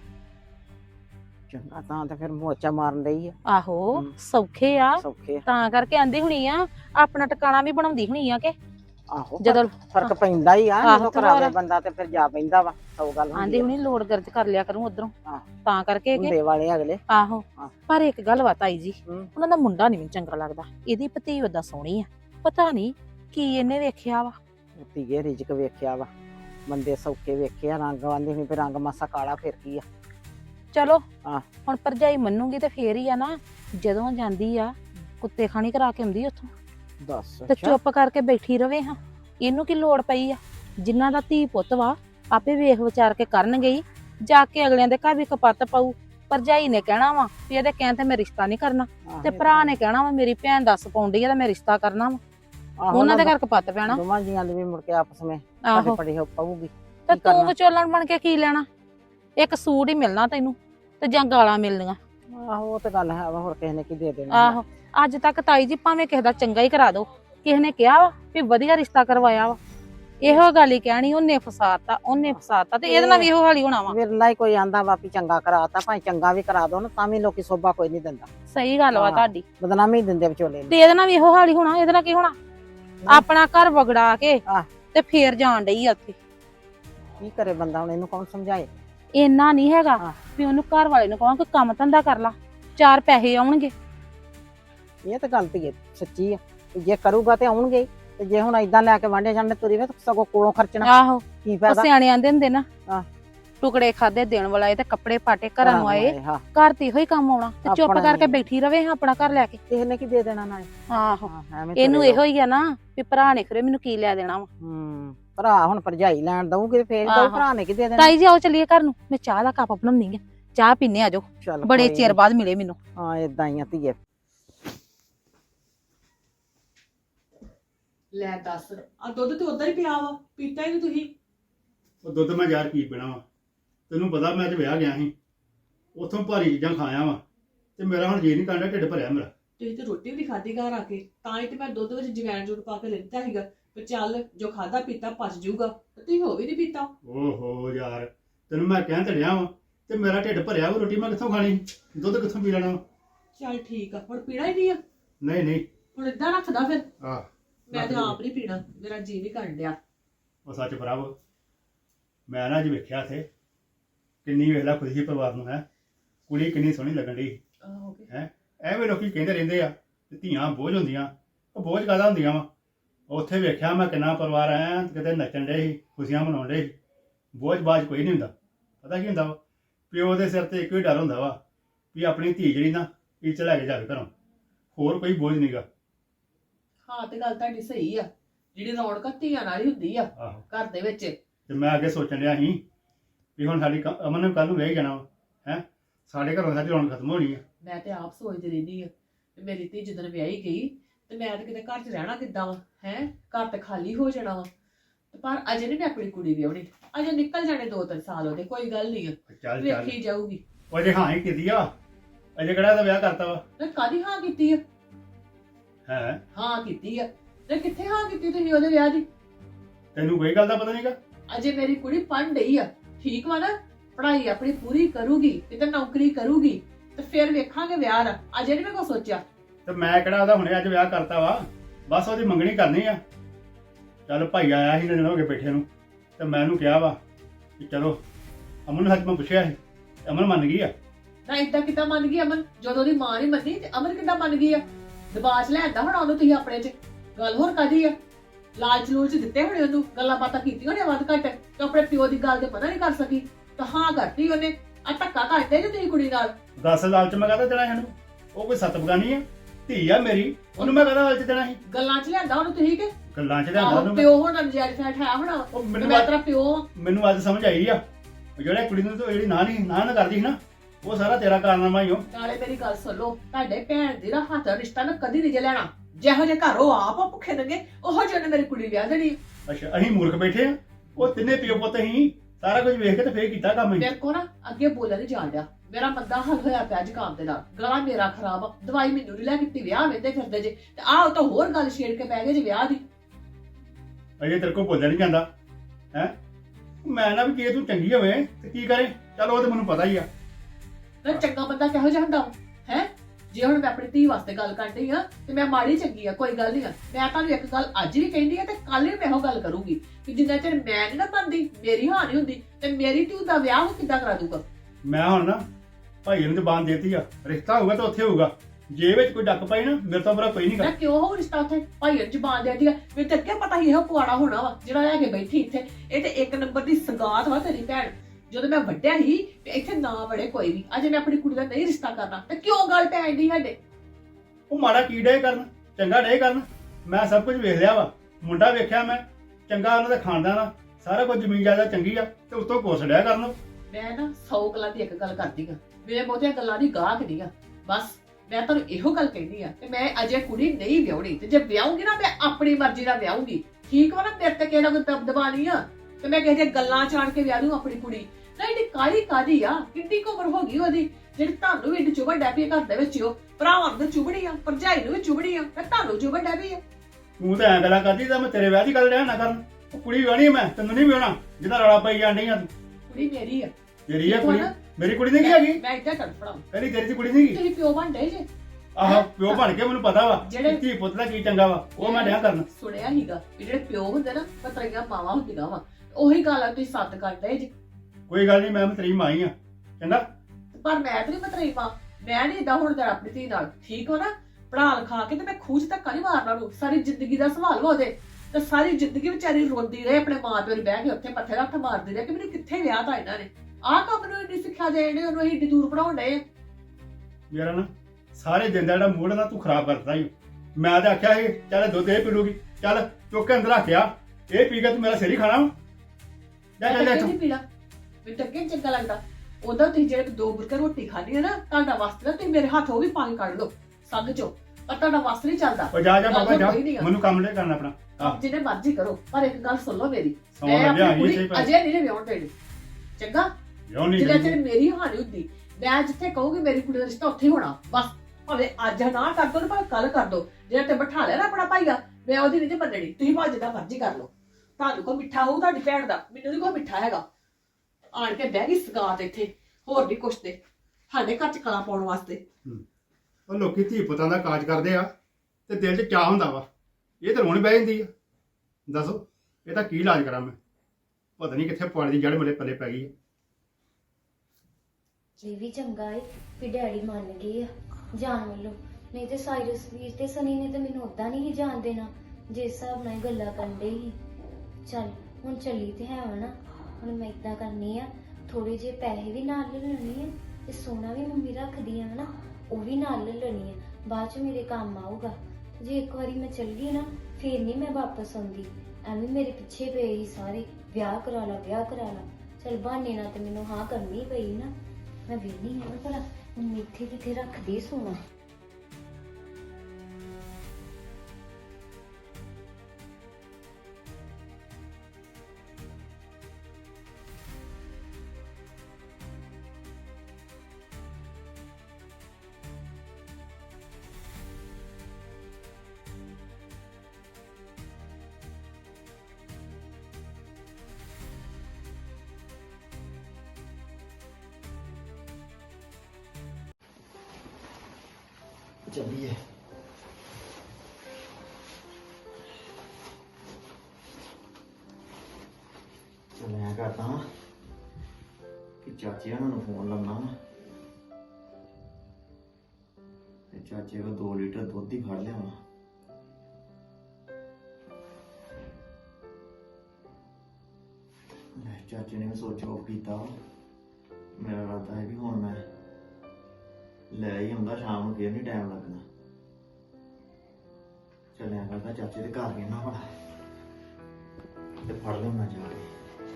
[SPEAKER 5] ਚੰਗਾ, ਤਾਂ ਤੇ ਫਿਰ ਮੋਚਾ ਮਾਰਨ ਡਈ ਆ।
[SPEAKER 3] ਆਹੋ
[SPEAKER 5] ਹੂੰ।
[SPEAKER 3] ਸੌਖੇ ਆ,
[SPEAKER 5] ਸੌਖੇ ਆ।
[SPEAKER 3] ਤਾਂ ਕਰਕੇ ਆਂਦੀ ਹੁਣੀ ਆ ਆਪਣਾ ਟਿਕਾਣਾ ਵੀ ਬਣਾਉਂਦੀ ਹੁਣੀ ਆ ਕਿ
[SPEAKER 5] ਆਹੋ
[SPEAKER 3] ਜਦੋਂ
[SPEAKER 5] ਫਰਕ ਪੈਂਦਾ ਹੀ ਆ।
[SPEAKER 3] ਆਹੋ
[SPEAKER 5] ਜਦੋਂ
[SPEAKER 3] ਤੇ
[SPEAKER 5] ਕਰਾਵੇ
[SPEAKER 3] ਹੋਰ।
[SPEAKER 5] ਬੰਦਾ ਤੇ ਫਿਰ ਜਾ ਪੈਂਦਾ ਵਾ। ਸੌ ਗੱਲ
[SPEAKER 3] ਆਂਦੀ
[SPEAKER 5] ਹੁੰਦੀ ਆ।
[SPEAKER 3] ਹੁਣੀ ਲੋੜ ਗਰਜ ਕਰ ਲਿਆ ਕਰੂੰ ਉਧਰੋਂ,
[SPEAKER 5] ਹਾਂ।
[SPEAKER 3] ਤਾਂ ਕਰਕੇ ਕਿ
[SPEAKER 5] ਹੁੰਦੇ ਵਾਲੇ ਅਗਲੇ।
[SPEAKER 3] ਆਹੋ
[SPEAKER 5] ਹਾਂ।
[SPEAKER 3] ਪਰ ਇੱਕ ਗੱਲ ਵਾ ਤਾਈ ਜੀ,
[SPEAKER 5] ਹੂੰ।
[SPEAKER 3] ਉਹਨਾਂ ਦਾ ਮੁੰਡਾ ਨਹੀਂ ਮੈਨੂੰ ਚੰਗਾ ਲੱਗਦਾ। ਇਹਦੀ ਭਤੀ ਓਦਾਂ ਸੋਹਣੀ ਆ, ਪਤਾ ਨਹੀਂ ਕੀ ਇਹਨੇ ਵੇਖਿਆ ਵਾ।
[SPEAKER 5] ਧੀਏ ਰਿਜਕ ਵੇਖਿਆ ਵਾ, ਬੰਦੇ ਸੌਕੇ ਵੇਖਿਆ। ਰੰਗ ਆਂਦੇ ਨਹੀਂ ਵੀ ਰੰਗ ਮਾਸਾ ਕਾਲਾ ਫਿਰ ਕੀ ਆ।
[SPEAKER 3] ਚਲੋ
[SPEAKER 5] ਹਾਂ।
[SPEAKER 3] ਹੁਣ ਭਰਜਾਈ ਮੰਨੂਗੀ ਤੇ ਫੇਰ ਹੀ ਆ ਨਾ। ਜਦੋਂ ਜਾਂਦੀ ਆ ਕੁੱਤੇ ਖਾਣੀ ਕਰਾ ਕੇ ਆਉਂਦੀ ਉੱਥੋਂ,
[SPEAKER 5] ਦੱਸ
[SPEAKER 3] ਤੇ ਚੁੱਪ ਕਰਕੇ ਬੈਠੀ ਰਵੇ। ਹਾਂ ਇਹਨੂੰ ਕੀ ਲੋੜ ਪਈ ਆ? ਜਿਨ੍ਹਾਂ ਦਾ ਧੀ ਪੁੱਤ ਵਾ ਆਪੇ ਵੇਖ ਵਿਚਾਰ ਕੇ ਕਰਨਗੇ ਹੀ। ਜਾ ਕੇ ਅਗਲਿਆਂ ਦੇ ਘਰ ਵੀ ਕਪੱਤ ਪਾਊ। ਭਰਜਾਈ ਨੇ ਕਹਿਣਾ ਵਾ ਵੀ ਇਹਦੇ ਕਹਿਣ ਤੇ ਮੈਂ ਰਿਸ਼ਤਾ ਨਹੀਂ ਕਰਨਾ, ਤੇ ਭਰਾ ਨੇ ਕਹਿਣਾ ਵਾ ਮੇਰੀ ਭੈਣ ਦੱਸ ਪਾਉਂਦੀ ਆ ਤੇ ਮੈਂ ਰਿਸ਼ਤਾ ਕਰਨਾ ਵਾ। ਉਹਨਾਂ ਦੇ ਘਰ ਕਪੱਤ ਪੈਣਾ।
[SPEAKER 5] ਦੋਵਾਂ ਜੀਆਂ ਦੇ ਵੀ ਮੁੜ ਕੇ ਆਪਸ ਵਿੱਚ
[SPEAKER 3] ਆਹੋ
[SPEAKER 5] ਪੜੀ ਹੋ ਪਾਊਗੀ।
[SPEAKER 3] ਤੇ
[SPEAKER 5] ਕੀ ਕਰਨਾ?
[SPEAKER 3] ਤੂੰ ਵਿਚੋਲਣ ਬਣ ਕੇ ਕੀ ਲੈਣਾ? ਇੱਕ ਸੂਟ ਹੀ ਮਿਲਣਾ ਤੈਨੂੰ ਤੇ ਜਾਂ ਗਾਲਾਂ ਮਿਲਣੀਆਂ।
[SPEAKER 5] ਆਹੋ ਉਹ ਤੇ ਗੱਲ ਹੈ ਵਾ, ਹੋਰ ਕਿਸੇ ਨੇ ਕੀ ਦੇ ਦੇਣਾ।
[SPEAKER 3] ਆਹੋ ਅੱਜ ਤੱਕ ਤਾਈ ਜੀ ਭਾਵੇਂ ਕਿਸੇ ਦਾ ਚੰਗਾ ਹੀ ਕਰਾ ਦੋ, ਕਿਸੇ ਨੇ ਕਿਹਾ ਵਾ ਵੀ ਵਧੀਆ ਰਿਸ਼ਤਾ ਕਰਵਾਇਆ ਵਾ। ਇਹੋ ਗੱਲ ਹੀ ਕਹਿਣੀ ਉਹਨੇ ਫਸਾਤਾ, ਉਹਨੇ ਫਸਾਤਾ, ਤੇ ਇਹਦੇ ਨਾਲ ਵੀ ਇਹੋ ਹਾਲ ਹੀ ਹੋਣਾ ਵਾ।
[SPEAKER 5] ਵਿਰਲਾ ਹੀ ਕੋਈ ਆਂਦਾ ਵਾ ਵੀ ਚੰਗਾ ਕਰਾਤਾ, ਭਾਵੇਂ ਚੰਗਾ ਵੀ ਕਰਾ ਦੋ ਨਾ ਤਾਂ ਵੀ ਲੋਕੀ ਸੋਭਾ ਕੋਈ ਨਹੀਂ ਦਿੰਦਾ।
[SPEAKER 3] ਸਹੀ ਗੱਲ ਵਾ
[SPEAKER 5] ਹਾਂ।
[SPEAKER 3] ਤੁਹਾਡੀ।
[SPEAKER 5] ਬਦਨਾਮੀ ਦਿੰਦੇ ਵਿਚੋਲੇ ਨੂੰ।
[SPEAKER 3] ਤੇ ਇਹਦੇ ਨਾਲ ਵੀ ਇਹੋ ਹਾਲ ਹੀ ਹੋਣਾ। ਇਹਦੇ ਨਾਲ ਕੀ ਹੋਣਾ? ਆਪਣਾ ਘਰ ਵਗੜਾ ਕੇ
[SPEAKER 5] ਆਹ।
[SPEAKER 3] ਤੇ ਫੇਰ ਜਾਣ ਡਈ ਆ ਉੱਥੇ।
[SPEAKER 5] ਕੀ ਕਰੇ ਬੰਦਾ ਹੁਣ, ਇਹਨੂੰ ਕੌਣ ਸਮਝਾਏ?
[SPEAKER 3] ਇੰਨਾ ਨਹੀਂ ਹੈਗਾ
[SPEAKER 5] ਹਾਂ।
[SPEAKER 3] ਵੀ ਉਹਨੂੰ ਘਰ ਵਾਲੇ ਨੂੰ ਕਹਾਂ ਕਿ ਕੰਮ ਧੰਦਾ ਕਰ ਲਾ, 4 ਪੈਸੇ ਆਉਣਗੇ।
[SPEAKER 5] ਇਹ ਤਾਂ ਗੱਲ ਧੀਏ ਸੱਚੀ ਆ। ਜੇ ਕਰੂਗਾ ਤੇ ਆਉਣਗੇ ਹੀ। ਤੇ ਜੇ ਹੁਣ ਏਦਾਂ ਲੈ ਕੇ ਵਾਂਡੇ ਜਾਂਦੇ ਤੁਰੀ ਵੇ ਤਾਂ ਸਗੋਂ ਕੋਲੋਂ ਖਰਚਣਾ
[SPEAKER 3] ਆਹੋ
[SPEAKER 5] ਕੀ
[SPEAKER 3] ਉਹ
[SPEAKER 5] ਫਾਇਦਾ?
[SPEAKER 3] ਸਿਆਣੇ ਆਂਦੇ ਹੁੰਦੇ ਨਾ,
[SPEAKER 5] ਆਹ।
[SPEAKER 3] ਟੁਕੜੇ ਖਾਦੇ ਦੇਣ ਵਾਲਾ ਇਹ ਤੇ ਕੱਪੜੇ ਪਾਟੇ ਘਰਾਂ ਨੂੰ ਆਏ।
[SPEAKER 5] ਹਾਂ
[SPEAKER 3] ਘਰ ਤੇ ਇਹੋ ਹੀ ਕੰਮ ਆਉਣਾ, ਤੇ ਚੁੱਪ
[SPEAKER 5] ਆਪਣਾ
[SPEAKER 3] ਕਰਕੇ
[SPEAKER 5] ਹੀ।
[SPEAKER 3] ਬੈਠੀ ਰਵੇ ਆਪਣਾ ਘਰ ਲੈ ਕੇ।
[SPEAKER 5] ਕਿਸੇ ਨੇ ਕੀ ਦੇ ਦੇਣਾ ਨਾਲੇ।
[SPEAKER 3] ਆਹੋ
[SPEAKER 5] ਹਾਂ, ਐਵੇਂ
[SPEAKER 3] ਇਹਨੂੰ
[SPEAKER 5] ਤੁਰੇ
[SPEAKER 3] ਇਹੋ ਹੀ ਆ ਨਾ ਵੀ ਭਰਾ ਨੇ ਖਰੇ ਮੈਨੂੰ ਕੀ ਲੈ ਦੇਣਾ ਵਾ।
[SPEAKER 5] ਭਰਾ ਹੁਣ ਭਰਜਾਈ ਲੈਣ ਦਊਗੀ ਤੇ ਫੇਰ
[SPEAKER 3] ਆਹੋ।
[SPEAKER 5] ਦਊ, ਭਰਾ ਨੇ ਕੀ ਦੇ ਦੇਣਾ?
[SPEAKER 3] ਤਾਈ ਜੀ ਆਓ ਚੱਲੀਏ ਘਰ ਨੂੰ, ਮੈਂ ਚਾਹ ਦਾ ਕੱਪ ਬਣਾਉਣੀ ਆ, ਚਾਹ ਪੀਨੇ ਆ ਜਾਓ।
[SPEAKER 5] ਚੱਲ
[SPEAKER 3] ਬੜੇ
[SPEAKER 5] ਕੋਈ
[SPEAKER 3] ਚਿਰ
[SPEAKER 5] ਨੀ।
[SPEAKER 3] ਬਾਅਦ ਮਿਲੇ ਮੈਨੂੰ।
[SPEAKER 5] ਹਾਂ ਏਦਾਂ ਹੀ ਆ ਧੀਏ।
[SPEAKER 6] ਲੈ ਦੱਸ ਆ ਦੁੱਧ ਤੇ ਉਦਾਂ ਹੀ ਪਿਆ ਵਾ ਪੀਤਾ ਹੀ ਨਹੀਂ ਤੁਸੀਂ।
[SPEAKER 7] ਉਹ ਦੁੱਧ ਮੈਂ ਯਾਰ ਕੀ ਪੀਣਾ ਵਾ, ਤੈਨੂੰ ਪਤਾ ਮੈਂ ਅੱਜ ਵਿਆਹ ਗਿਆ ਸੀ, ਉੱਥੋਂ ਭਾਰੀ ਚੀਜ਼ਾਂ ਖਾਇਆ ਵਾ ਤੇ ਮੇਰਾ ਹੁਣ ਜੀ ਨਹੀਂ ਕਰਦਾ, ਢਿੱਡ ਭਰਿਆ ਮੇਰਾ।
[SPEAKER 6] ਤੁਸੀਂ ਤੇ ਰੋਟੀ ਵੀ ਨੀ ਖਾਧੀ ਘਰ ਆ ਕੇ, ਤਾਂ ਹੀ ਤੇ ਮੈਂ ਦੁੱਧ ਵਿੱਚ ਜਵੈਣ ਜੂੜ ਪਾ ਕੇ ਲੈ ਦਿੱਤਾ ਸੀਗਾ ਵੀ ਚੱਲ ਜੋ ਖਾਦਾ ਪੀਤਾ ਪਚ ਜਾਊਗਾ, ਤੇ ਤੁਸੀਂ ਹੋ ਵੀ ਨਹੀਂ ਪੀਤਾ।
[SPEAKER 7] ਓਹੋ ਯਾਰ, ਤੈਨੂੰ ਮੈਂ ਕਹਿਣ ਤੇ ਡਿਆ ਵਾ ਤੇ ਮੇਰਾ ਢਿੱਡ ਭਰਿਆ ਵਾ, ਰੋਟੀ ਮੈਂ ਕਿੱਥੋਂ ਖਾਣੀ, ਦੁੱਧ ਕਿੱਥੋਂ ਪੀ ਲੈਣਾ ਵਾ?
[SPEAKER 6] ਚੱਲ ਠੀਕ ਆ, ਹੁਣ ਪੀਣਾ ਹੀ ਨਹੀਂ ਆ,
[SPEAKER 7] ਨਹੀਂ ਨਹੀਂ
[SPEAKER 6] ਹੁਣ ਏਦਾਂ ਰੱਖਦਾ ਫਿਰ।
[SPEAKER 7] ਆਹ
[SPEAKER 6] ਮੈਂ ਤੇ ਆਪ ਨਹੀਂ ਪੀਣਾ, ਮੇਰਾ ਜੀ ਨਹੀਂ ਕਰਨ ਡਿਆ।
[SPEAKER 7] ਉਹ ਸੱਚ ਭਰਾਵ, ਮੈਂ ਨਾ ਅੱਜ ਵੇਖਿਆ ਇੱਥੇ ਕਿੰਨੀ ਵੇਖਲਾ ਖੁਸ਼ੀ ਪਰਿਵਾਰ ਨੂੰ ਹੈ, ਕੁੜੀ ਕਿੰਨੀ ਸੋਹਣੀ ਲੱਗਣ ਡਈ
[SPEAKER 6] ਆਹੋ
[SPEAKER 7] ਹੈ। ਐਵੇਂ ਲੋਕੀ ਕਹਿੰਦੇ ਰਹਿੰਦੇ ਆ ਕਿ ਧੀਆਂ ਬੋਝ ਹੁੰਦੀਆਂ, ਉਹ ਬੋਝ ਕਾਹਦਾ ਹੁੰਦੀਆਂ ਵਾ। ਉੱਥੇ ਵੇਖਿਆ ਮੈਂ ਕਿੰਨਾ ਪਰਿਵਾਰ ਆਇਆ, ਕਿਤੇ ਨੱਚਣ ਡੇ ਸੀ, ਖੁਸ਼ੀਆਂ ਮਨਾਉਣ ਡੇ ਸੀ। ਬੋਝ ਬਾਝ ਕੋਈ ਨਹੀਂ ਹੁੰਦਾ। ਪਤਾ ਕੀ ਹੁੰਦਾ ਵਾ, ਪਿਓ ਦੇ ਸਿਰ ਤੇ ਇੱਕੋ ਹੀ ਡਰ ਹੁੰਦਾ ਵਾ ਵੀ ਆਪਣੀ ਧੀ ਜਿਹੜੀ ਨਾ ਇੱਜ਼ਤ ਲੈ ਕੇ ਜਾਵੇ ਘਰੋਂ, ਹੋਰ ਕੋਈ ਬੋਝ ਨਹੀਂਗਾ।
[SPEAKER 6] ਹਾਂ ਤੇ ਗੱਲ ਤੁਹਾਡੀ ਸਹੀ ਆ, ਜਿਹੜੀ ਰੌਣਕ ਧੀਆਂ ਨਾਲ ਹੀ ਹੁੰਦੀ ਆ
[SPEAKER 7] ਆਹੋ,
[SPEAKER 6] ਘਰ ਦੇ ਵਿੱਚ।
[SPEAKER 7] ਤੇ ਮੈਂ ਅੱਗੇ ਸੋਚਣ ਡਿਆ ਸੀ ਵੀ ਹੁਣ ਸਾਡੀ ਅਮਨ ਨੂੰ ਕੱਲ ਨੂੰ ਵਿਆਹ ਹੀ ਜਾਣਾ ਵਾ ਹੈ, ਸਾਡੇ ਘਰੋਂ ਸਾਡੀ ਰੌਣਕ ਖਤਮ ਹੋਣੀ ਆ।
[SPEAKER 6] ਮੈਂ ਤੇ ਆਪ ਸੋਚਦੀ ਰਹਿੰਦੀ ਆ ਵੀ ਮੇਰੀ ਧੀ ਜਦੋਂ ਵਿਆਹੀ ਗਈ ਤੇ ਮੈਂ ਤੇ ਕਿਤੇ ਘਰ 'ਚ ਰਹਿਣਾ ਕਿੱਦਾਂ ਵਾ ਹੈ, ਘਰ ਤੇ ਖਾਲੀ ਹੋ ਜਾਣਾ ਵਾ। ਤੇ ਪਰ ਅਜੇ ਨਹੀਂ ਮੈਂ ਆਪਣੀ ਕੁੜੀ ਵਿਆਹਣੀ, ਅਜੇ ਨਿਕਲ ਜਾਣੇ 2-3 ਸਾਲ ਉਹਦੇ, ਕੋਈ ਗੱਲ ਨਹੀਂ ਆ,
[SPEAKER 7] ਚੱਲ ਚੱਲ,
[SPEAKER 6] ਵੇਖੀ ਜਾਊਗੀ।
[SPEAKER 7] ਉਹ ਜੇ ਹਾਂ ਹੀ ਕੀਤੀ ਆ, ਅਜੇ ਕਿਹੜਾ ਇਹਦਾ ਵਿਆਹ ਕਰਤਾ ਵਾ
[SPEAKER 6] ਮੈਂ ਕਾਹਦੀ ਹਾਂ ਕੀਤੀ ਆ?
[SPEAKER 7] ਹੈ।
[SPEAKER 6] ਹਾਂ ਕੀਤੀ ਆ ਤੇ ਕਿੱਥੇ ਹਾਂ ਕੀਤੀ ਤੁਸੀਂ ਉਹਦੇ ਵਿਆਹ ਦੀ?
[SPEAKER 7] ਤੈਨੂੰ ਕੋਈ ਗੱਲ ਦਾ ਪਤਾ ਨਹੀਂਗਾ?
[SPEAKER 6] ਅਜੇ ਮੇਰੀ ਕੁੜੀ ਪੜ੍ਹ ਰਹੀ ਆ, ਠੀਕ ਵਾ ਨਾ, ਪੜ੍ਹਾਈ ਆਪਣੀ ਪੂਰੀ ਕਰੂਗੀ ਕਿਤੇ ਨੌਕਰੀ ਕਰੂਗੀ ਤੇ ਫਿਰ ਵੇਖਾਂਗੇ ਵਿਆਹ ਦਾ। ਅਜੇ ਨਹੀਂ ਮੈਂ ਕੁਛ ਸੋਚਿਆ।
[SPEAKER 7] ਤੇ ਮੈਂ ਕਿਹੜਾ ਉਹਦਾ ਹੁਣੇ ਅੱਜ ਵਿਆਹ ਕਰਤਾ ਵਾ, ਬਸ ਉਹਦੀ ਮੰਗਣੀ ਕਰਨੀ ਆ। ਚੱਲ ਭਾਈ ਆਇਆ ਸੀ ਦਿਨ ਹੋ ਗਏ ਬੈਠੇ ਨੂੰ, ਤੇ ਮੈਂ ਉਹਨੂੰ ਕਿਹਾ ਵਾ ਕਿ ਚਲੋ, ਅਮਨ ਨੂੰ ਸੱਚ ਮੈਂ ਪੁੱਛਿਆ ਸੀ ਤੇ ਅਮਨ ਮੰਨ ਗਈ ਆ।
[SPEAKER 6] ਨਾ ਏਦਾਂ ਕਿੱਦਾਂ ਮੰਨ ਗਈ ਅਮਨ, ਜਦੋਂ ਉਹਦੀ ਮਾਂ ਨਹੀਂ ਮੰਨੀ ਤੇ ਅਮਨ ਕਿੱਦਾਂ ਮੰਨ ਗਈ ਆ? ਦਬਾਸ਼ ਲੈਂਦਾ ਹੁਣ ਉਹਨੂੰ ਤੁਸੀਂ ਆਪਣੇ 'ਚ, ਗੱਲ ਹੋਰ ਕਾਦੀ ਆ? ਲਾਲਚ ਲੂਲਚ ਦਿੱਤੇ ਹੋਣੇ ਉਹਨੂੰ, ਗੱਲਾਂ ਬਾਤਾਂ ਕੀਤੀਆਂ ਹੋਣੀਆਂ ਵੱਧ ਘੱਟ, ਤੇ ਆਪਣੇ ਪਿਓ ਦੀ ਗੱਲ ਤੇ ਪਤਾ ਨਹੀਂ ਕਰ ਸਕੀ ਤਾਂ ਹਾਂ ਕਰਤੀ ਉਹਨੇ। ਆ ਧੱਕਾ ਕਰਦੇ ਜੇ ਤੁਸੀਂ ਕੁੜੀ ਨਾਲ।
[SPEAKER 7] 10 ਸਾਲ ਚ ਮੈਂ ਕਹਦਾ ਦੇਣਾ ਇਹਨੂੰ, ਉਹ ਕੋਈ ਸੱਤ ਬਗਾਨੀ ਆ, ਧੀ ਆ ਮੇਰੀ, ਉਹਨੂੰ ਮੈਂ ਕਹਦਾ ਵਾਲ ਚ ਦੇਣਾ ਸੀ।
[SPEAKER 6] ਗੱਲਾਂ 'ਚ ਲਿਆਂਦਾ ਉਹਨੂੰ ਤੁਸੀਂ ਕਿ
[SPEAKER 7] ਗੱਲਾਂ ਚ ਲਿਆਂਦਾ
[SPEAKER 6] ਆਹੋ,
[SPEAKER 7] ਉਹਨੂੰ
[SPEAKER 6] ਪਿਓ ਹੁਣ ਨਜਾਇਜ਼ ਫੈਟ ਹੈ ਹੁਣ,
[SPEAKER 7] ਉਹ
[SPEAKER 6] ਤੇ
[SPEAKER 7] ਮੈਨੂੰ
[SPEAKER 6] ਮੈਂ ਤੇਰਾ ਪਿਓ ਆ।
[SPEAKER 7] ਮੈਨੂੰ ਅੱਜ ਸਮਝ ਆਈ ਆ, ਉਹ ਜਿਹੜੇ ਕੁੜੀ ਨੂੰ ਜਿਹੜੀ ਨਾ ਕਰਦੀ ਸੀ ਨਾ, ਉਹ ਸਾਰਾ ਤੇਰਾ ਕਾਰਨਾਮਾ ਹੀ ਹੋ।
[SPEAKER 6] ਨਾਲੇ ਮੇਰੀ ਗੱਲ ਸੁਣ ਲਓ, ਤੁਹਾਡੇ ਭੈਣ ਦੀ ਨਾ ਹੱਥ ਦਾ ਰਿਸ਼ਤਾ ਨਾ ਕਦੀ ਨਹੀਂ ਜੇ ਲੈਣਾ। ਜਿਹੋ ਜਿਹੇ ਘਰ ਉਹ ਆਪ ਆ ਭੁੱਖੇ ਨੰਗੇ, ਉਹੋ ਜਿਹੇ ਨੇ ਮੇਰੀ ਕੁੜੀ ਵਿਆਹ ਦੇਣੀ।
[SPEAKER 7] ਅੱਛਾ, ਅਸੀਂ ਮੂਰਖ ਬੈਠੇ ਆ, ਉਹ ਤਿੰਨੇ ਪਿਓ ਪੁੱਤ ਹੀ ਸਾਰਾ ਕੁਝ ਵੇਖ ਕੇ ਤੇ ਫੇਰ ਕੀਤਾ ਕੰਮ ਹੀ।
[SPEAKER 6] ਮੇਰੇ ਕੋ ਨਾ ਅੱਗੇ ਬੋਲਿਆ ਨਹੀਂ ਜਾਣ ਡਿਆ, ਮੇਰਾ ਮੰਦਾ ਹੱਲ ਹੋਇਆ ਪਿਆ ਜ਼ੁਕਾਮ ਦੇ ਨਾਲ, ਗਲਾ ਮੇਰਾ ਖਰਾਬ ਆ, ਦਵਾਈ ਮੈਨੂੰ ਨਹੀਂ ਲੈ ਕੀਤੀ, ਵਿਆਹ ਵੇਂਦੇ ਫਿਰਦੇ ਜੇ, ਤੇ ਆਹ ਤਾਂ ਹੋਰ ਗੱਲ ਛੇੜ ਕੇ ਪੈ ਗਏ ਜੇ ਵਿਆਹ ਦੀ।
[SPEAKER 7] ਅਜੇ ਤੇਰੇ ਕੋਲ ਬੋਲਿਆ ਨਹੀਂ ਜਾਂਦਾ ਹੈ। ਮੈਂ ਨਾ ਵੀ ਜੇ ਤੂੰ ਚੰਗੀ ਹੋਵੇ ਤੇ ਕੀ ਕਰੇ, ਚਲ ਉਹ ਤੇ ਮੈਨੂੰ ਪਤਾ ਹੀ ਆ।
[SPEAKER 6] ਨਾ ਚੰਗਾ ਬੰਦਾ ਕਿਹੋ ਜਿਹਾ ਹੁੰਦਾ ਹੈ? ਜੇ ਹੁਣ ਮੈਂ ਆਪਣੀ ਧੀ ਵਾਸਤੇ ਗੱਲ ਕਰਦੀ ਆ ਤੇ ਮੈਂ ਮਾੜੀ ਚੰਗੀ ਆ, ਕੋਈ ਗੱਲ ਨਹੀਂ ਆ। ਮੈਂ ਤੁਹਾਨੂੰ ਇੱਕ ਗੱਲ ਅੱਜ ਵੀ ਕਹਿੰਦੀ ਆ ਤੇ ਕੱਲ ਵੀ ਮੈਂ ਇਹੋ ਗੱਲ ਕਰੂੰਗੀ ਕਿ ਜਿੰਨਾ ਚਿਰ ਮੈਂ ਨਹੀਂ ਨਾ ਬਣਦੀ, ਮੇਰੀ ਹਾਂ ਨਹੀਂ ਹੁੰਦੀ, ਤੇ ਮੇਰੀ ਧੀ ਦਾ ਵਿਆਹ ਉਹ ਕਿੱਦਾਂ ਕਰਾ ਦੂਗਾ?
[SPEAKER 7] ਮੈਂ ਹੁਣ ਨਾ ਭਾਈ ਨੂੰ ਜ਼ਬਾਨ ਦੇਤੀ ਆ, ਰਿਸ਼ਤਾ ਹੋਊਗਾ ਤਾਂ ਉੱਥੇ ਹੋਊਗਾ, ਜੇ ਵਿੱਚ ਕੋਈ ਡੱਕ ਪਾਈ ਨਾ ਮੇਰੇ ਤੋਂ ਬੁਰਾ ਕੋਈ ਨਹੀਂ
[SPEAKER 6] ਮੈਂ
[SPEAKER 7] ਕਰ।
[SPEAKER 6] ਕਿਉਂ ਹੋ ਰਿਸ਼ਤਾ ਉੱਥੇ ਭਾਈ ਨੂੰ ਜ਼ਬਾਨ ਦੇ ਦਿੱਤੀ ਆ? ਮੈਨੂੰ ਤਾਂ ਅੱਗੇ ਪਤਾ ਹੀ ਇਹੋ ਪੁਆੜਾ ਹੋਣਾ ਵਾ ਜਿਹੜਾ ਲੈ ਕੇ ਬੈਠੀ ਇੱਥੇ। ਇਹ ਤੇ ਇੱਕ ਨੰਬਰ ਦੀ ਸੰਗਾਤ ਵਾ ਤੇਰੀ ਭੈਣ। ਜਦੋਂ ਮੈਂ ਵੱਡਿਆ ਸੀ ਤੇ ਇੱਥੇ ਨਾ ਵੜੇ ਕੋਈ ਵੀ, ਅਜੇ ਮੈਂ ਆਪਣੀ ਕੁੜੀ ਦਾ ਨਹੀਂ ਰਿਸ਼ਤਾ ਕਰਨਾ ਤੇ ਕਿਉਂ ਗੱਲ ਪੈ ਜਾਂਦੀ ਸਾਡੇ?
[SPEAKER 7] ਉਹ ਮਾੜਾ ਕੀ ਡੇ ਕਰਨ, ਚੰਗਾ ਡੇ ਕਰਨ। ਮੈਂ ਸਭ ਕੁਝ ਵੇਖ ਲਿਆ ਵਾ, ਮੁੰਡਾ ਵੇਖਿਆ ਮੈਂ, ਚੰਗਾ ਉਹਨਾਂ ਦਾ ਖਾਨਦਾਨ ਆ, ਸਾਰਾ ਕੁਝ ਜ਼ਮੀਨ ਜਾਇਦਾਦ ਚੰਗੀ ਆ, ਤੇ ਉੱਤੋਂ ਕੋਸ ਡਿਆ ਕਰਨ।
[SPEAKER 6] ਮੈਂ ਨਾ 100 ਗੱਲਾਂ ਦੀ ਇੱਕ ਗੱਲ ਕਰਦੀ ਆ, ਮੇਰੇ ਬਹੁਤੀਆਂ ਗੱਲਾਂ ਦੀ ਗਾਹਕ ਨਹੀਂ ਆ। ਬਸ ਮੈਂ ਤੁਹਾਨੂੰ ਇਹੋ ਗੱਲ ਕਹਿੰਦੀ ਆ ਕਿ ਮੈਂ ਅਜੇ ਕੁੜੀ ਨਹੀਂ ਵਿਆਹਣੀ, ਤੇ ਜੇ ਵਿਆਹੂੰਗੀ ਨਾ ਮੈਂ ਆਪਣੀ ਮਰਜ਼ੀ ਨਾਲ ਵਿਆਹੂੰਗੀ, ਠੀਕ ਵਾ ਨਾ? ਮੇਰੇ ਤੇ ਕਿਹੜਾ ਕੋਈ ਦਬਦਬਾ ਨਹੀਂ ਆ ਤੇ ਮੈਂ ਕਿਸੇ ਦੀਆਂ ਗੱਲਾਂ ਚਾਣ ਕੇ ਵਿਆਹ ਦੂੰ ਆਪਣੀ ਕੁੜੀ। ਨਾ ਇਹਦੀ ਕਾਹਲੀ ਕਾਦੀ ਆ? ਕਿੰਨੀ ਕੁ ਉਮਰ ਹੋ ਗਈ ਉਹਦੀ, ਜਿਹੜੀ ਤੁਹਾਨੂੰ ਵੀ ਇੰਨੀ ਚੁਬੜ ਡੈ ਪਈ ਘਰ ਦੇ ਵਿੱਚ? ਉਹ ਭਰਾਵਾਂ ਨੂੰ ਚੁਬੜੀ ਆ, ਭਰਜਾਈ ਨੂੰ ਵੀ ਚੁਬੜੀ ਆ, ਤੇ ਤੁਹਾਨੂੰ ਚੁਬੜ ਡੈ ਪਈ ਆ।
[SPEAKER 7] ਤੂੰ ਤਾਂ ਐਂ ਗੱਲਾਂ ਕਰਦੀ ਤਾਂ ਮੈਂ ਤੇਰੇ ਵਿਆਹ ਦੀ ਗੱਲ ਰਿਹਾ ਨਾ ਕਰਨ। ਉਹ ਕੁੜੀ ਵਿਆਹਣੀ ਮੈਂ, ਤੈਨੂੰ ਨਹੀਂ ਵਿਆਹਣਾ, ਜਿਹਦਾ ਰੌਲਾ ਪਾਈ ਜਾਣ ਡਈ ਆ ਤੂੰ।
[SPEAKER 6] ਕੁੜੀ ਮੇਰੀ ਆ,
[SPEAKER 7] ਤੇਰੀ ਆ ਕੁੜੀ, ਮੇਰੀ ਕੁੜੀ ਨਹੀਂ ਹੈਗੀ।
[SPEAKER 6] ਮੈਂ ਇੱਦਾਂ ਤੜਫੜਾ,
[SPEAKER 7] ਕਹਿੰਦੀ ਤੇਰੀ ਦੀ ਕੁੜੀ ਨਹੀਂ ਹੈਗੀ।
[SPEAKER 6] ਤੁਸੀਂ ਪਿਓ ਬਣ ਡੇ ਜੇ।
[SPEAKER 7] ਆਹੋ, ਪਿਓ ਬਣ ਕੇ ਮੈਨੂੰ ਪਤਾ ਵਾ
[SPEAKER 6] ਜਿਹੜੇ-
[SPEAKER 7] ਧੀ ਪੁੱਤ ਦਾ ਕੀ ਚੰਗਾ ਵਾ, ਉਹ ਮੈਂ ਡਿਆ ਕਰਨ।
[SPEAKER 6] ਸੁਣਿਆ ਹੀਗਾ ਵੀ ਜਿਹੜੇ ਪਿਓ ਹੁੰਦੇ ਨਾ ਪਤਰੀਆਂ ਮਾਵਾਂ ਹੁੰਦੀਆਂ ਵਾ, ਉਹੀ ਗੱਲ ਆ ਤੁਸੀਂ ਸੱਤ ਕਰਦੇ ਜੇ।
[SPEAKER 7] ਕੋਈ ਗੱਲ ਨਹੀਂ, ਮੈਂ ਤੇਰੀ ਮਾਂ ਹੀ ਆ, ਚੰਗਾ।
[SPEAKER 6] ਪਰ ਮੈਂ ਤੇ ਨਹੀਂ ਪਤਰੀ ਮਾਂ, ਮੈਂ ਨਹੀਂ ਏਦਾਂ ਹੁਣ ਤੇ ਆਪਣੀ ਧੀ ਨਾਲ, ਠੀਕ ਹੋ ਨਾ? ਪੜਾ ਲਿਖਾ ਕੇ ਤੇ ਮੈਂ ਖੂਜ ਧੱਕਾ ਨਹੀਂ ਮਾਰਨਾ ਨੂੰ, ਸਾਰੀ ਜ਼ਿੰਦਗੀ ਦਾ ਸਵਾਲ ਵਾ ਉਹਦੇ। ਤੇ ਸਾਰੀ ਜ਼ਿੰਦਗੀ ਵਿਚਾਰੀ ਰੋਂਦੀ ਰਹੇ ਆਪਣੇ ਮਾਂ ਪਿਓ ਨੂੰ ਬਹਿ ਕੇ ਉੱਥੇ ਮੱਥੇ ਰੱਖ ਮਾਰਦੀ ਰਹੇ ਕਿ ਮੈਨੂੰ ਕਿੱਥੇ ਵਿਆਹ ਤਾਂ ਇਹਨਾਂ ਨੇ। ਆਹ ਕੰਮ ਨੂੰ ਇੰਨੀ ਸਿੱਖਿਆ ਦੇਣ ਦੇ, ਉਹਨੂੰ ਅਸੀਂ ਏਡੀ ਦੂਰ ਪੜਾਉਣ ਡਏ।
[SPEAKER 7] ਮੇਰਾ ਨਾ ਸਾਰੇ ਦਿਨ ਦਾ ਜਿਹੜਾ ਮੂਡ ਨਾ ਤੂੰ ਖਰਾਬ ਕਰਦਾ ਹੀ। ਮੈਂ ਤਾਂ ਆਖਿਆ ਸੀ ਚੱਲ ਦੁੱਧ ਇਹ ਪੀ ਲੂਗੀ, ਚੱਲ ਚੁੱਕ ਕੇ ਅੰਦਰ ਰੱਖਿਆ, ਇਹ ਪੀ ਕੇ ਤੂੰ ਮੇਰਾ ਸਿਰ ਹੀ ਖਾਣਾ ਵਾ। ਜਾ ਜਾ ਜਾ
[SPEAKER 6] ਮੈਂ
[SPEAKER 7] ਇੱਥੋਂ।
[SPEAKER 6] ਨਹੀਂ ਪੀਣਾ, ਮੈਨੂੰ ਤਾਂ ਅੱਗੇ ਚੰਗਾ ਲੱਗਦਾ। ਉਦੋਂ ਤੁਸੀਂ ਜਿਹੜੇ 2 ਬੁਰਕੇ ਰੋਟੀ ਖਾਣੀ ਹੈ ਨਾ, ਤੁਹਾਡਾ ਵਾਸਤੇ ਨਾ ਤੁਸੀਂ ਮੇਰੇ ਹੱਥ ਉਹ ਵੀ ਪਾਣੀ ਕੱਢ ਲਓ ਸੰਗ ਚੋਂ, ਪਰ ਤੁਹਾਡਾ ਵਸ ਨਹੀਂ ਚੱਲਦਾ।
[SPEAKER 7] ਉਹ ਜਾ ਜਾ
[SPEAKER 6] ਗੱਲ
[SPEAKER 7] ਬਾਬਾ ਜਾ,
[SPEAKER 6] ਕੋਈ ਨਹੀਂ ਆ।
[SPEAKER 7] ਮੈਨੂੰ ਕੰਮ ਲੈ ਕਰਨਾ ਆਪਣਾ।
[SPEAKER 6] ਆਪ ਜਿਹਨੇ ਮਰਜ਼ੀ ਕਰੋ, ਪਰ ਇੱਕ ਗੱਲ ਸੁਣ ਲਓ ਮੇਰੀ,
[SPEAKER 7] ਸੌਂ
[SPEAKER 6] ਮੈਂ
[SPEAKER 7] ਲੱਗਿਆ
[SPEAKER 6] ਆਪਣੀ
[SPEAKER 7] ਹੀ
[SPEAKER 6] ਕੁੜੀ
[SPEAKER 7] ਸਹੀ ਪਰ
[SPEAKER 6] ਅਜੇ ਨਹੀਂ ਵਿਆਹਣ ਦੇਣੀ। ਚੰਗਾ,
[SPEAKER 7] ਵਿਆਹ ਨਹੀਂ
[SPEAKER 6] ਜਿੱਦਾਂ
[SPEAKER 7] ਦੇਣੀ।
[SPEAKER 6] ਚਿਰ ਮੇਰੀ ਹਾਨੀ ਹੁੰਦੀ, ਮੈਂ ਜਿੱਥੇ ਕਹੂੰਗੀ ਮੇਰੀ ਕੁੜੀ ਦਾ ਰਿਸ਼ਤਾ ਉੱਥੇ ਹੀ ਹੋਣਾ ਬਸ। ਭਾਵੇਂ ਅੱਜ ਨਾ ਕਰ ਦੋ, ਭਾਵੇਂ ਕੱਲ ਕਰ ਦੋ। ਜਿਹੜਾ ਤੇ ਬਿਠਾ ਲਿਆ ਨਾ ਆਪਣਾ ਭਾਈਆ, ਮੈਂ ਉਹਦੀ ਨਹੀਂ ਜੇ ਮੰਨਣੀ। ਤੁਸੀਂ ਭਾਵੇਂ ਜਿੱਦਾਂ ਮਰਜ਼ੀ ਕਰ ਲਓ। ਤੁਹਾਨੂੰ ਕੋਈ ਮਿੱਠਾ ਹੋਊ ਤੁਹਾਡੀ ਭੈਣ ਦਾ, ਮੈਨੂੰ ਨਹੀਂ ਕੋਈ ਮਿੱਠਾ ਹੈਗਾ। ਆਣ ਕੇ ਬਹਿ ਗਈ ਸਗਾਤ ਇੱਥੇ, ਹੋਰ ਨਹੀਂ ਕੁਛ ਤੇ ਸਾਡੇ ਘਰ ਚ ਕਲਾ ਪਾਉਣ ਵਾਸਤੇ।
[SPEAKER 7] ਉਹ ਲੋਕੀ ਧੀ ਪੁੱਤਾਂ ਦਾ ਕਾਜ ਕਰਦੇ ਆ ਤੇ ਦਿਲ 'ਚ ਚਾਹ ਹੁੰਦਾ ਵਾ, ਇਹ ਤਾਂ ਰੋਣ ਬਹਿ ਜਾਂਦੀ ਆ। ਦੱਸੋ ਇਹਦਾ ਕੀ ਇਲਾਜ ਕਰਾਂ ਮੈਂ? ਪਤਾ ਨਹੀਂ ਕਿੱਥੇ ਪਾਣੀ ਦੀ ਜੜ ਮੇਰੇ ਪੱਲੇ ਪੈ ਗਈ ਹੈ।
[SPEAKER 8] ਇਹ ਵੀ ਚੰਗਾ ਏ ਵੀ ਡੈਡੀ ਮੰਨ ਗਏ ਆ ਜਾਣ ਵੱਲੋਂ, ਨਹੀਂ ਤੇ ਸਾਇਰਸ ਵੀਰ ਤੇ ਸਨੀ ਨੇ ਤਾਂ ਮੈਨੂੰ ਉਦਾਂ ਨਹੀਂ ਜਾਣ ਦੇਣਾ ਜਿਸ ਹਿਸਾਬ ਨਾਲ ਗੱਲਾਂ ਕਰਦੇ ਸੀ। ਚੱਲ ਹੁਣ ਚੱਲੀ ਤੇ ਹੈ ਵਾ ਨਾ, ਹੁਣ ਮੈਂ ਇਦਾਂ ਕਰਨੀ ਆ, ਥੋੜੇ ਜਿਹੇ ਪੈਸੇ ਵੀ ਨਾਲ ਲੈ ਲੈਣੇ ਆ ਤੇ ਸੋਨਾ ਵੀ ਮੰਮੀ ਰੱਖਦੀ ਆ ਨਾ, ਉਹ ਵੀ ਨਾਲ ਲੈ ਲੈਣੀ ਆ, ਬਾਅਦ ਚ ਮੇਰੇ ਕੰਮ ਆਊਗਾ। ਜੇ ਇੱਕ ਵਾਰੀ ਮੈਂ ਚੱਲ ਗਈ ਨਾ ਫੇਰ ਨਹੀਂ ਮੈਂ ਵਾਪਸ ਆਉਂਦੀ। ਐਵੇਂ ਮੇਰੇ ਪਿੱਛੇ ਪਏ ਸੀ ਸਾਰੇ, ਵਿਆਹ ਕਰਾ ਲਾ ਵਿਆਹ ਕਰਾ ਲਾ। ਚੱਲ ਬਹਾਨੇ ਨਾਲ ਤੇ ਮੈਨੂੰ ਹਾਂ ਕਰਨੀ ਪਈ ਨਾ। ਮੈਂ ਵੇਹਨੀ ਹਾਂ ਭਲਾ ਮੰਮੀ ਇੱਥੇ ਕਿੱਥੇ ਰੱਖਦੀ ਸੋਨਾ।
[SPEAKER 9] ਚੱਲੀਏ। ਚਲ ਮੈਂ ਕਰਦਾ ਵਾਂ ਕਿ ਚਾਚੀ ਉਹਨਾਂ ਨੂੰ ਫੋਨ ਲਾਉਣਾ ਵਾ ਤੇ ਚਾਚੇ ਕੋਲ 2 ਲੀਟਰ ਦੁੱਧ ਹੀ ਫੜ ਲਿਆਵਾਂ। ਚਾਚੇ ਨੇ ਵੀ ਸੋਚ ਆਫ ਕੀਤਾ ਵਾ। ਮੇਰਾ ਇਰਾਦਾ ਹੈ ਵੀ ਹੁਣ ਮੈਂ ਲੈ ਹੀ ਆਉਂਦਾ, ਸ਼ਾਮ ਨੂੰ ਫੇਰ ਨਹੀਂ ਟਾਈਮ ਲੱਗਣਾ। ਚੱਲਿਆ ਕਰਦਾ ਚਾਚੇ ਦੇ ਘਰ ਗਿਆ ਨਾ ਭਲਾ ਤੇ ਫੜ ਲਿਆਉਣਾ ਜਾ ਕੇ।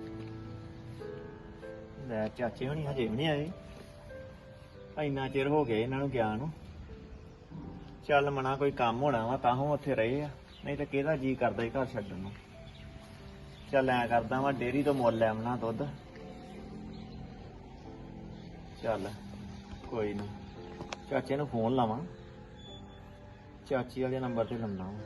[SPEAKER 9] ਲੈ ਚਾਚੇ ਹੁਣੀ ਹਜੇ ਵੀ ਨਹੀਂ ਆਏ, ਇੰਨਾ ਚਿਰ ਹੋ ਗਿਆ ਇਹਨਾਂ ਨੂੰ ਗਿਆ ਨੂੰ। ਚੱਲ ਮਨਾ ਕੋਈ ਕੰਮ ਹੋਣਾ ਵਾ ਤਾਂ ਉਹ ਉੱਥੇ ਰਹੇ ਆ, ਨਹੀਂ ਤਾਂ ਕਿਹਦਾ ਜੀ ਕਰਦਾ ਹੀ ਘਰ ਛੱਡਣ ਨੂੰ। ਚੱਲ ਐਂ ਕਰਦਾ ਵਾ ਡੇਅਰੀ ਤੋਂ ਮੁੱਲ ਲੈ ਆਉਣਾ ਦੁੱਧ। ਚੱਲ ਕੋਈ ਨਾ, ਚਾਚੇ ਨੂੰ ਫੋਨ ਲਾਵਾਂ, ਚਾਚੀ ਵਾਲੇ ਨੰਬਰ ਤੇ ਲਾਉਣਾ ਵਾ।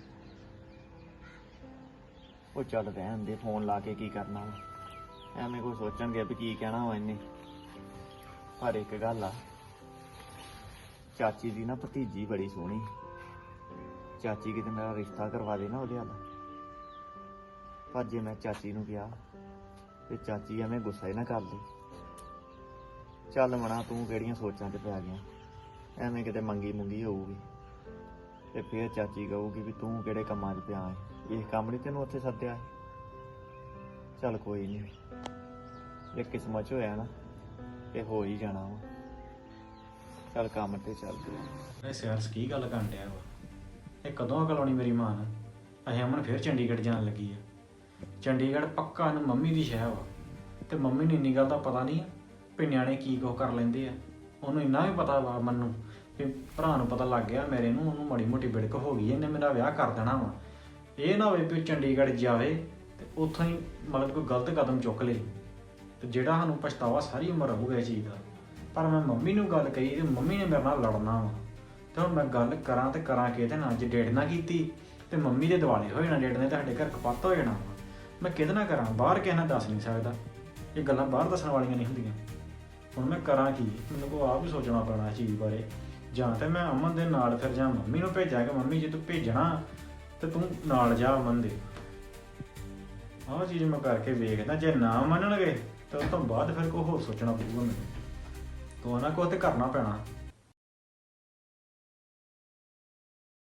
[SPEAKER 9] ਉਹ ਚੱਲ ਰਹਿਣ ਦੇ, ਫੋਨ ਲਾ ਕੇ ਕੀ ਕਰਨਾ ਵਾ, ਐਵੇਂ ਕੋਈ ਸੋਚਣਗੇ ਵੀ ਕੀ ਕਹਿਣਾ ਵਾ ਇਹਨੇ। ਪਰ ਇੱਕ ਗੱਲ ਆ, ਚਾਚੀ ਦੀ ਨਾ ਭਤੀਜੀ ਬੜੀ ਸੋਹਣੀ। ਚਾਚੀ ਕਿਤੇ ਮੇਰਾ ਰਿਸ਼ਤਾ ਕਰਵਾ ਦੇ ਨਾ ਉਹਦੇ ਨਾਲ। ਪਰ ਜੇ ਮੈਂ ਚਾਚੀ ਨੂੰ ਕਿਹਾ ਤੇ ਚਾਚੀ ਐਵੇਂ ਗੁੱਸਾ ਹੀ ਨਾ ਕਰ ਲਈ। ਚੱਲ ਮਣਾ, ਤੂੰ ਕਿਹੜੀਆਂ ਸੋਚਾਂ 'ਚ ਪੈ ਗਿਆ, ਐਵੇਂ ਕਿਤੇ ਮੰਗੀ ਮੁੰਗੀ ਹੋਊਗੀ ਤੇ ਫੇਰ ਚਾਚੀ ਕਹੂਗੀ ਵੀ ਤੂੰ ਕਿਹੜੇ ਕੰਮਾਂ 'ਚ ਪਿਆ ਹੈ, ਇਹ ਕੰਮ ਨਹੀਂ ਤੈਨੂੰ ਉੱਥੇ ਸੱਦਿਆ ਹੈ। ਚੱਲ ਕੋਈ ਨਹੀਂ, ਜੇ ਕਿਸਮਤ 'ਚ ਹੋਇਆ ਨਾ ਤੇ ਹੋ ਹੀ ਜਾਣਾ ਵਾ। ਚੱਲ ਕੰਮ ਤੇ ਚੱਲਦੇ ਆ।
[SPEAKER 10] ਸਿਆਰਸ ਕੀ ਗੱਲ ਕਰਨ ਡਿਆ ਵਾ, ਇਹ ਕਦੋਂ ਅਕਲ ਆਉਣੀ ਮੇਰੀ ਮਾਂ ਨੂੰ। ਅਸੀਂ ਅਮਨ ਫੇਰ ਚੰਡੀਗੜ੍ਹ ਜਾਣ ਲੱਗੀ ਆ। ਚੰਡੀਗੜ੍ਹ ਪੱਕਾ ਇਹਨੂੰ ਮੰਮੀ ਦੀ ਸ਼ਹਿਰ ਵਾ, ਤੇ ਮੰਮੀ ਨੂੰ ਇੰਨੀ ਗੱਲ ਦਾ ਪਤਾ ਨਹੀਂ ਵੀ ਨਿਆਣੇ ਕੀ ਕੁਛ ਕਰ ਲੈਂਦੇ ਆ। ਉਹਨੂੰ ਇੰਨਾ ਵੀ ਪਤਾ ਵਾ ਮੈਨੂੰ ਵੀ ਭਰਾ ਨੂੰ ਪਤਾ ਲੱਗ ਗਿਆ ਮੇਰੇ ਨੂੰ, ਉਹਨੂੰ ਮਾੜੀ ਮੋਟੀ ਬਿੜਕ ਹੋ ਗਈ, ਇਹਨੇ ਮੇਰਾ ਵਿਆਹ ਕਰ ਦੇਣਾ ਵਾ। ਇਹ ਨਾ ਹੋਵੇ ਵੀ ਚੰਡੀਗੜ੍ਹ ਜਾਵੇ ਤੇ ਉੱਥੋਂ ਹੀ ਮਤਲਬ ਕੋਈ ਗਲਤ ਕਦਮ ਚੁੱਕ ਲੇ ਤੇ ਜਿਹੜਾ ਸਾਨੂੰ ਪਛਤਾਵਾ ਸਾਰੀ ਉਮਰ ਰਹੂਗਾ ਇਹ ਚੀਜ਼ ਦਾ। ਪਰ ਮੈਂ ਮੰਮੀ ਨੂੰ ਗੱਲ ਕਹੀ ਤੇ ਮੰਮੀ ਨੇ ਮੇਰੇ ਨਾਲ ਲੜਨਾ ਵਾ, ਤੇ ਹੁਣ ਮੈਂ ਗੱਲ ਕਰਾਂ ਤੇ ਕਰਾਂ ਕਿਹਦੇ ਨਾਲ? ਜੇ ਡੇਢ ਨਾ ਕੀਤੀ ਤੇ ਮੰਮੀ ਦੇ ਦਿਵਾਲੇ ਹੋ ਜਾਣਾ, ਡੇਢ ਨੇ ਤੁਹਾਡੇ ਘਰ ਕਪੱਤ ਹੋ ਜਾਣਾ ਵਾ। ਮੈਂ ਕਿਹਦੇ ਨਾਲ ਕਰਾਂ? ਬਾਹਰ ਕਿਸੇ ਨਾਲ ਦੱਸ ਨਹੀਂ ਸਕਦਾ, ਇਹ ਗੱਲਾਂ ਬਾਹਰ ਦੱਸਣ ਵਾਲੀਆਂ ਨਹੀਂ ਹੁੰਦੀਆਂ। ਹੁਣ ਮੈਂ ਕਰਾਂ ਕੀ? ਮੈਨੂੰ ਕੋ ਆਪ ਹੀ ਸੋਚਣਾ ਪੈਣਾ ਇਸ ਚੀਜ਼ ਬਾਰੇ। ਜਾਂ ਤੇ ਮੈਂ ਅਮਨ ਦੇ ਨਾਲ ਫਿਰ ਜਾਂ ਮੰਮੀ ਨੂੰ ਭੇਜਾਂ ਕਿ ਮੰਮੀ ਜੇ ਤੂੰ ਭੇਜਣਾ ਤੇ ਤੂੰ ਨਾਲ ਜਾ ਅਮਨ ਦੇ। ਆਹ ਚੀਜ਼ ਮੈਂ ਕਰਕੇ ਵੇਖਦਾ, ਜੇ ਨਾ ਮੰਨਣਗੇ ਤਾਂ ਉਸ ਤੋਂ ਬਾਅਦ ਫਿਰ ਕੋਈ ਹੋਰ ਸੋਚਣਾ ਪਊਗਾ ਮੈਨੂੰ। ਤੂੰ ਨਾ ਕੁਛ ਤੇ ਕਰਨਾ ਪੈਣਾ।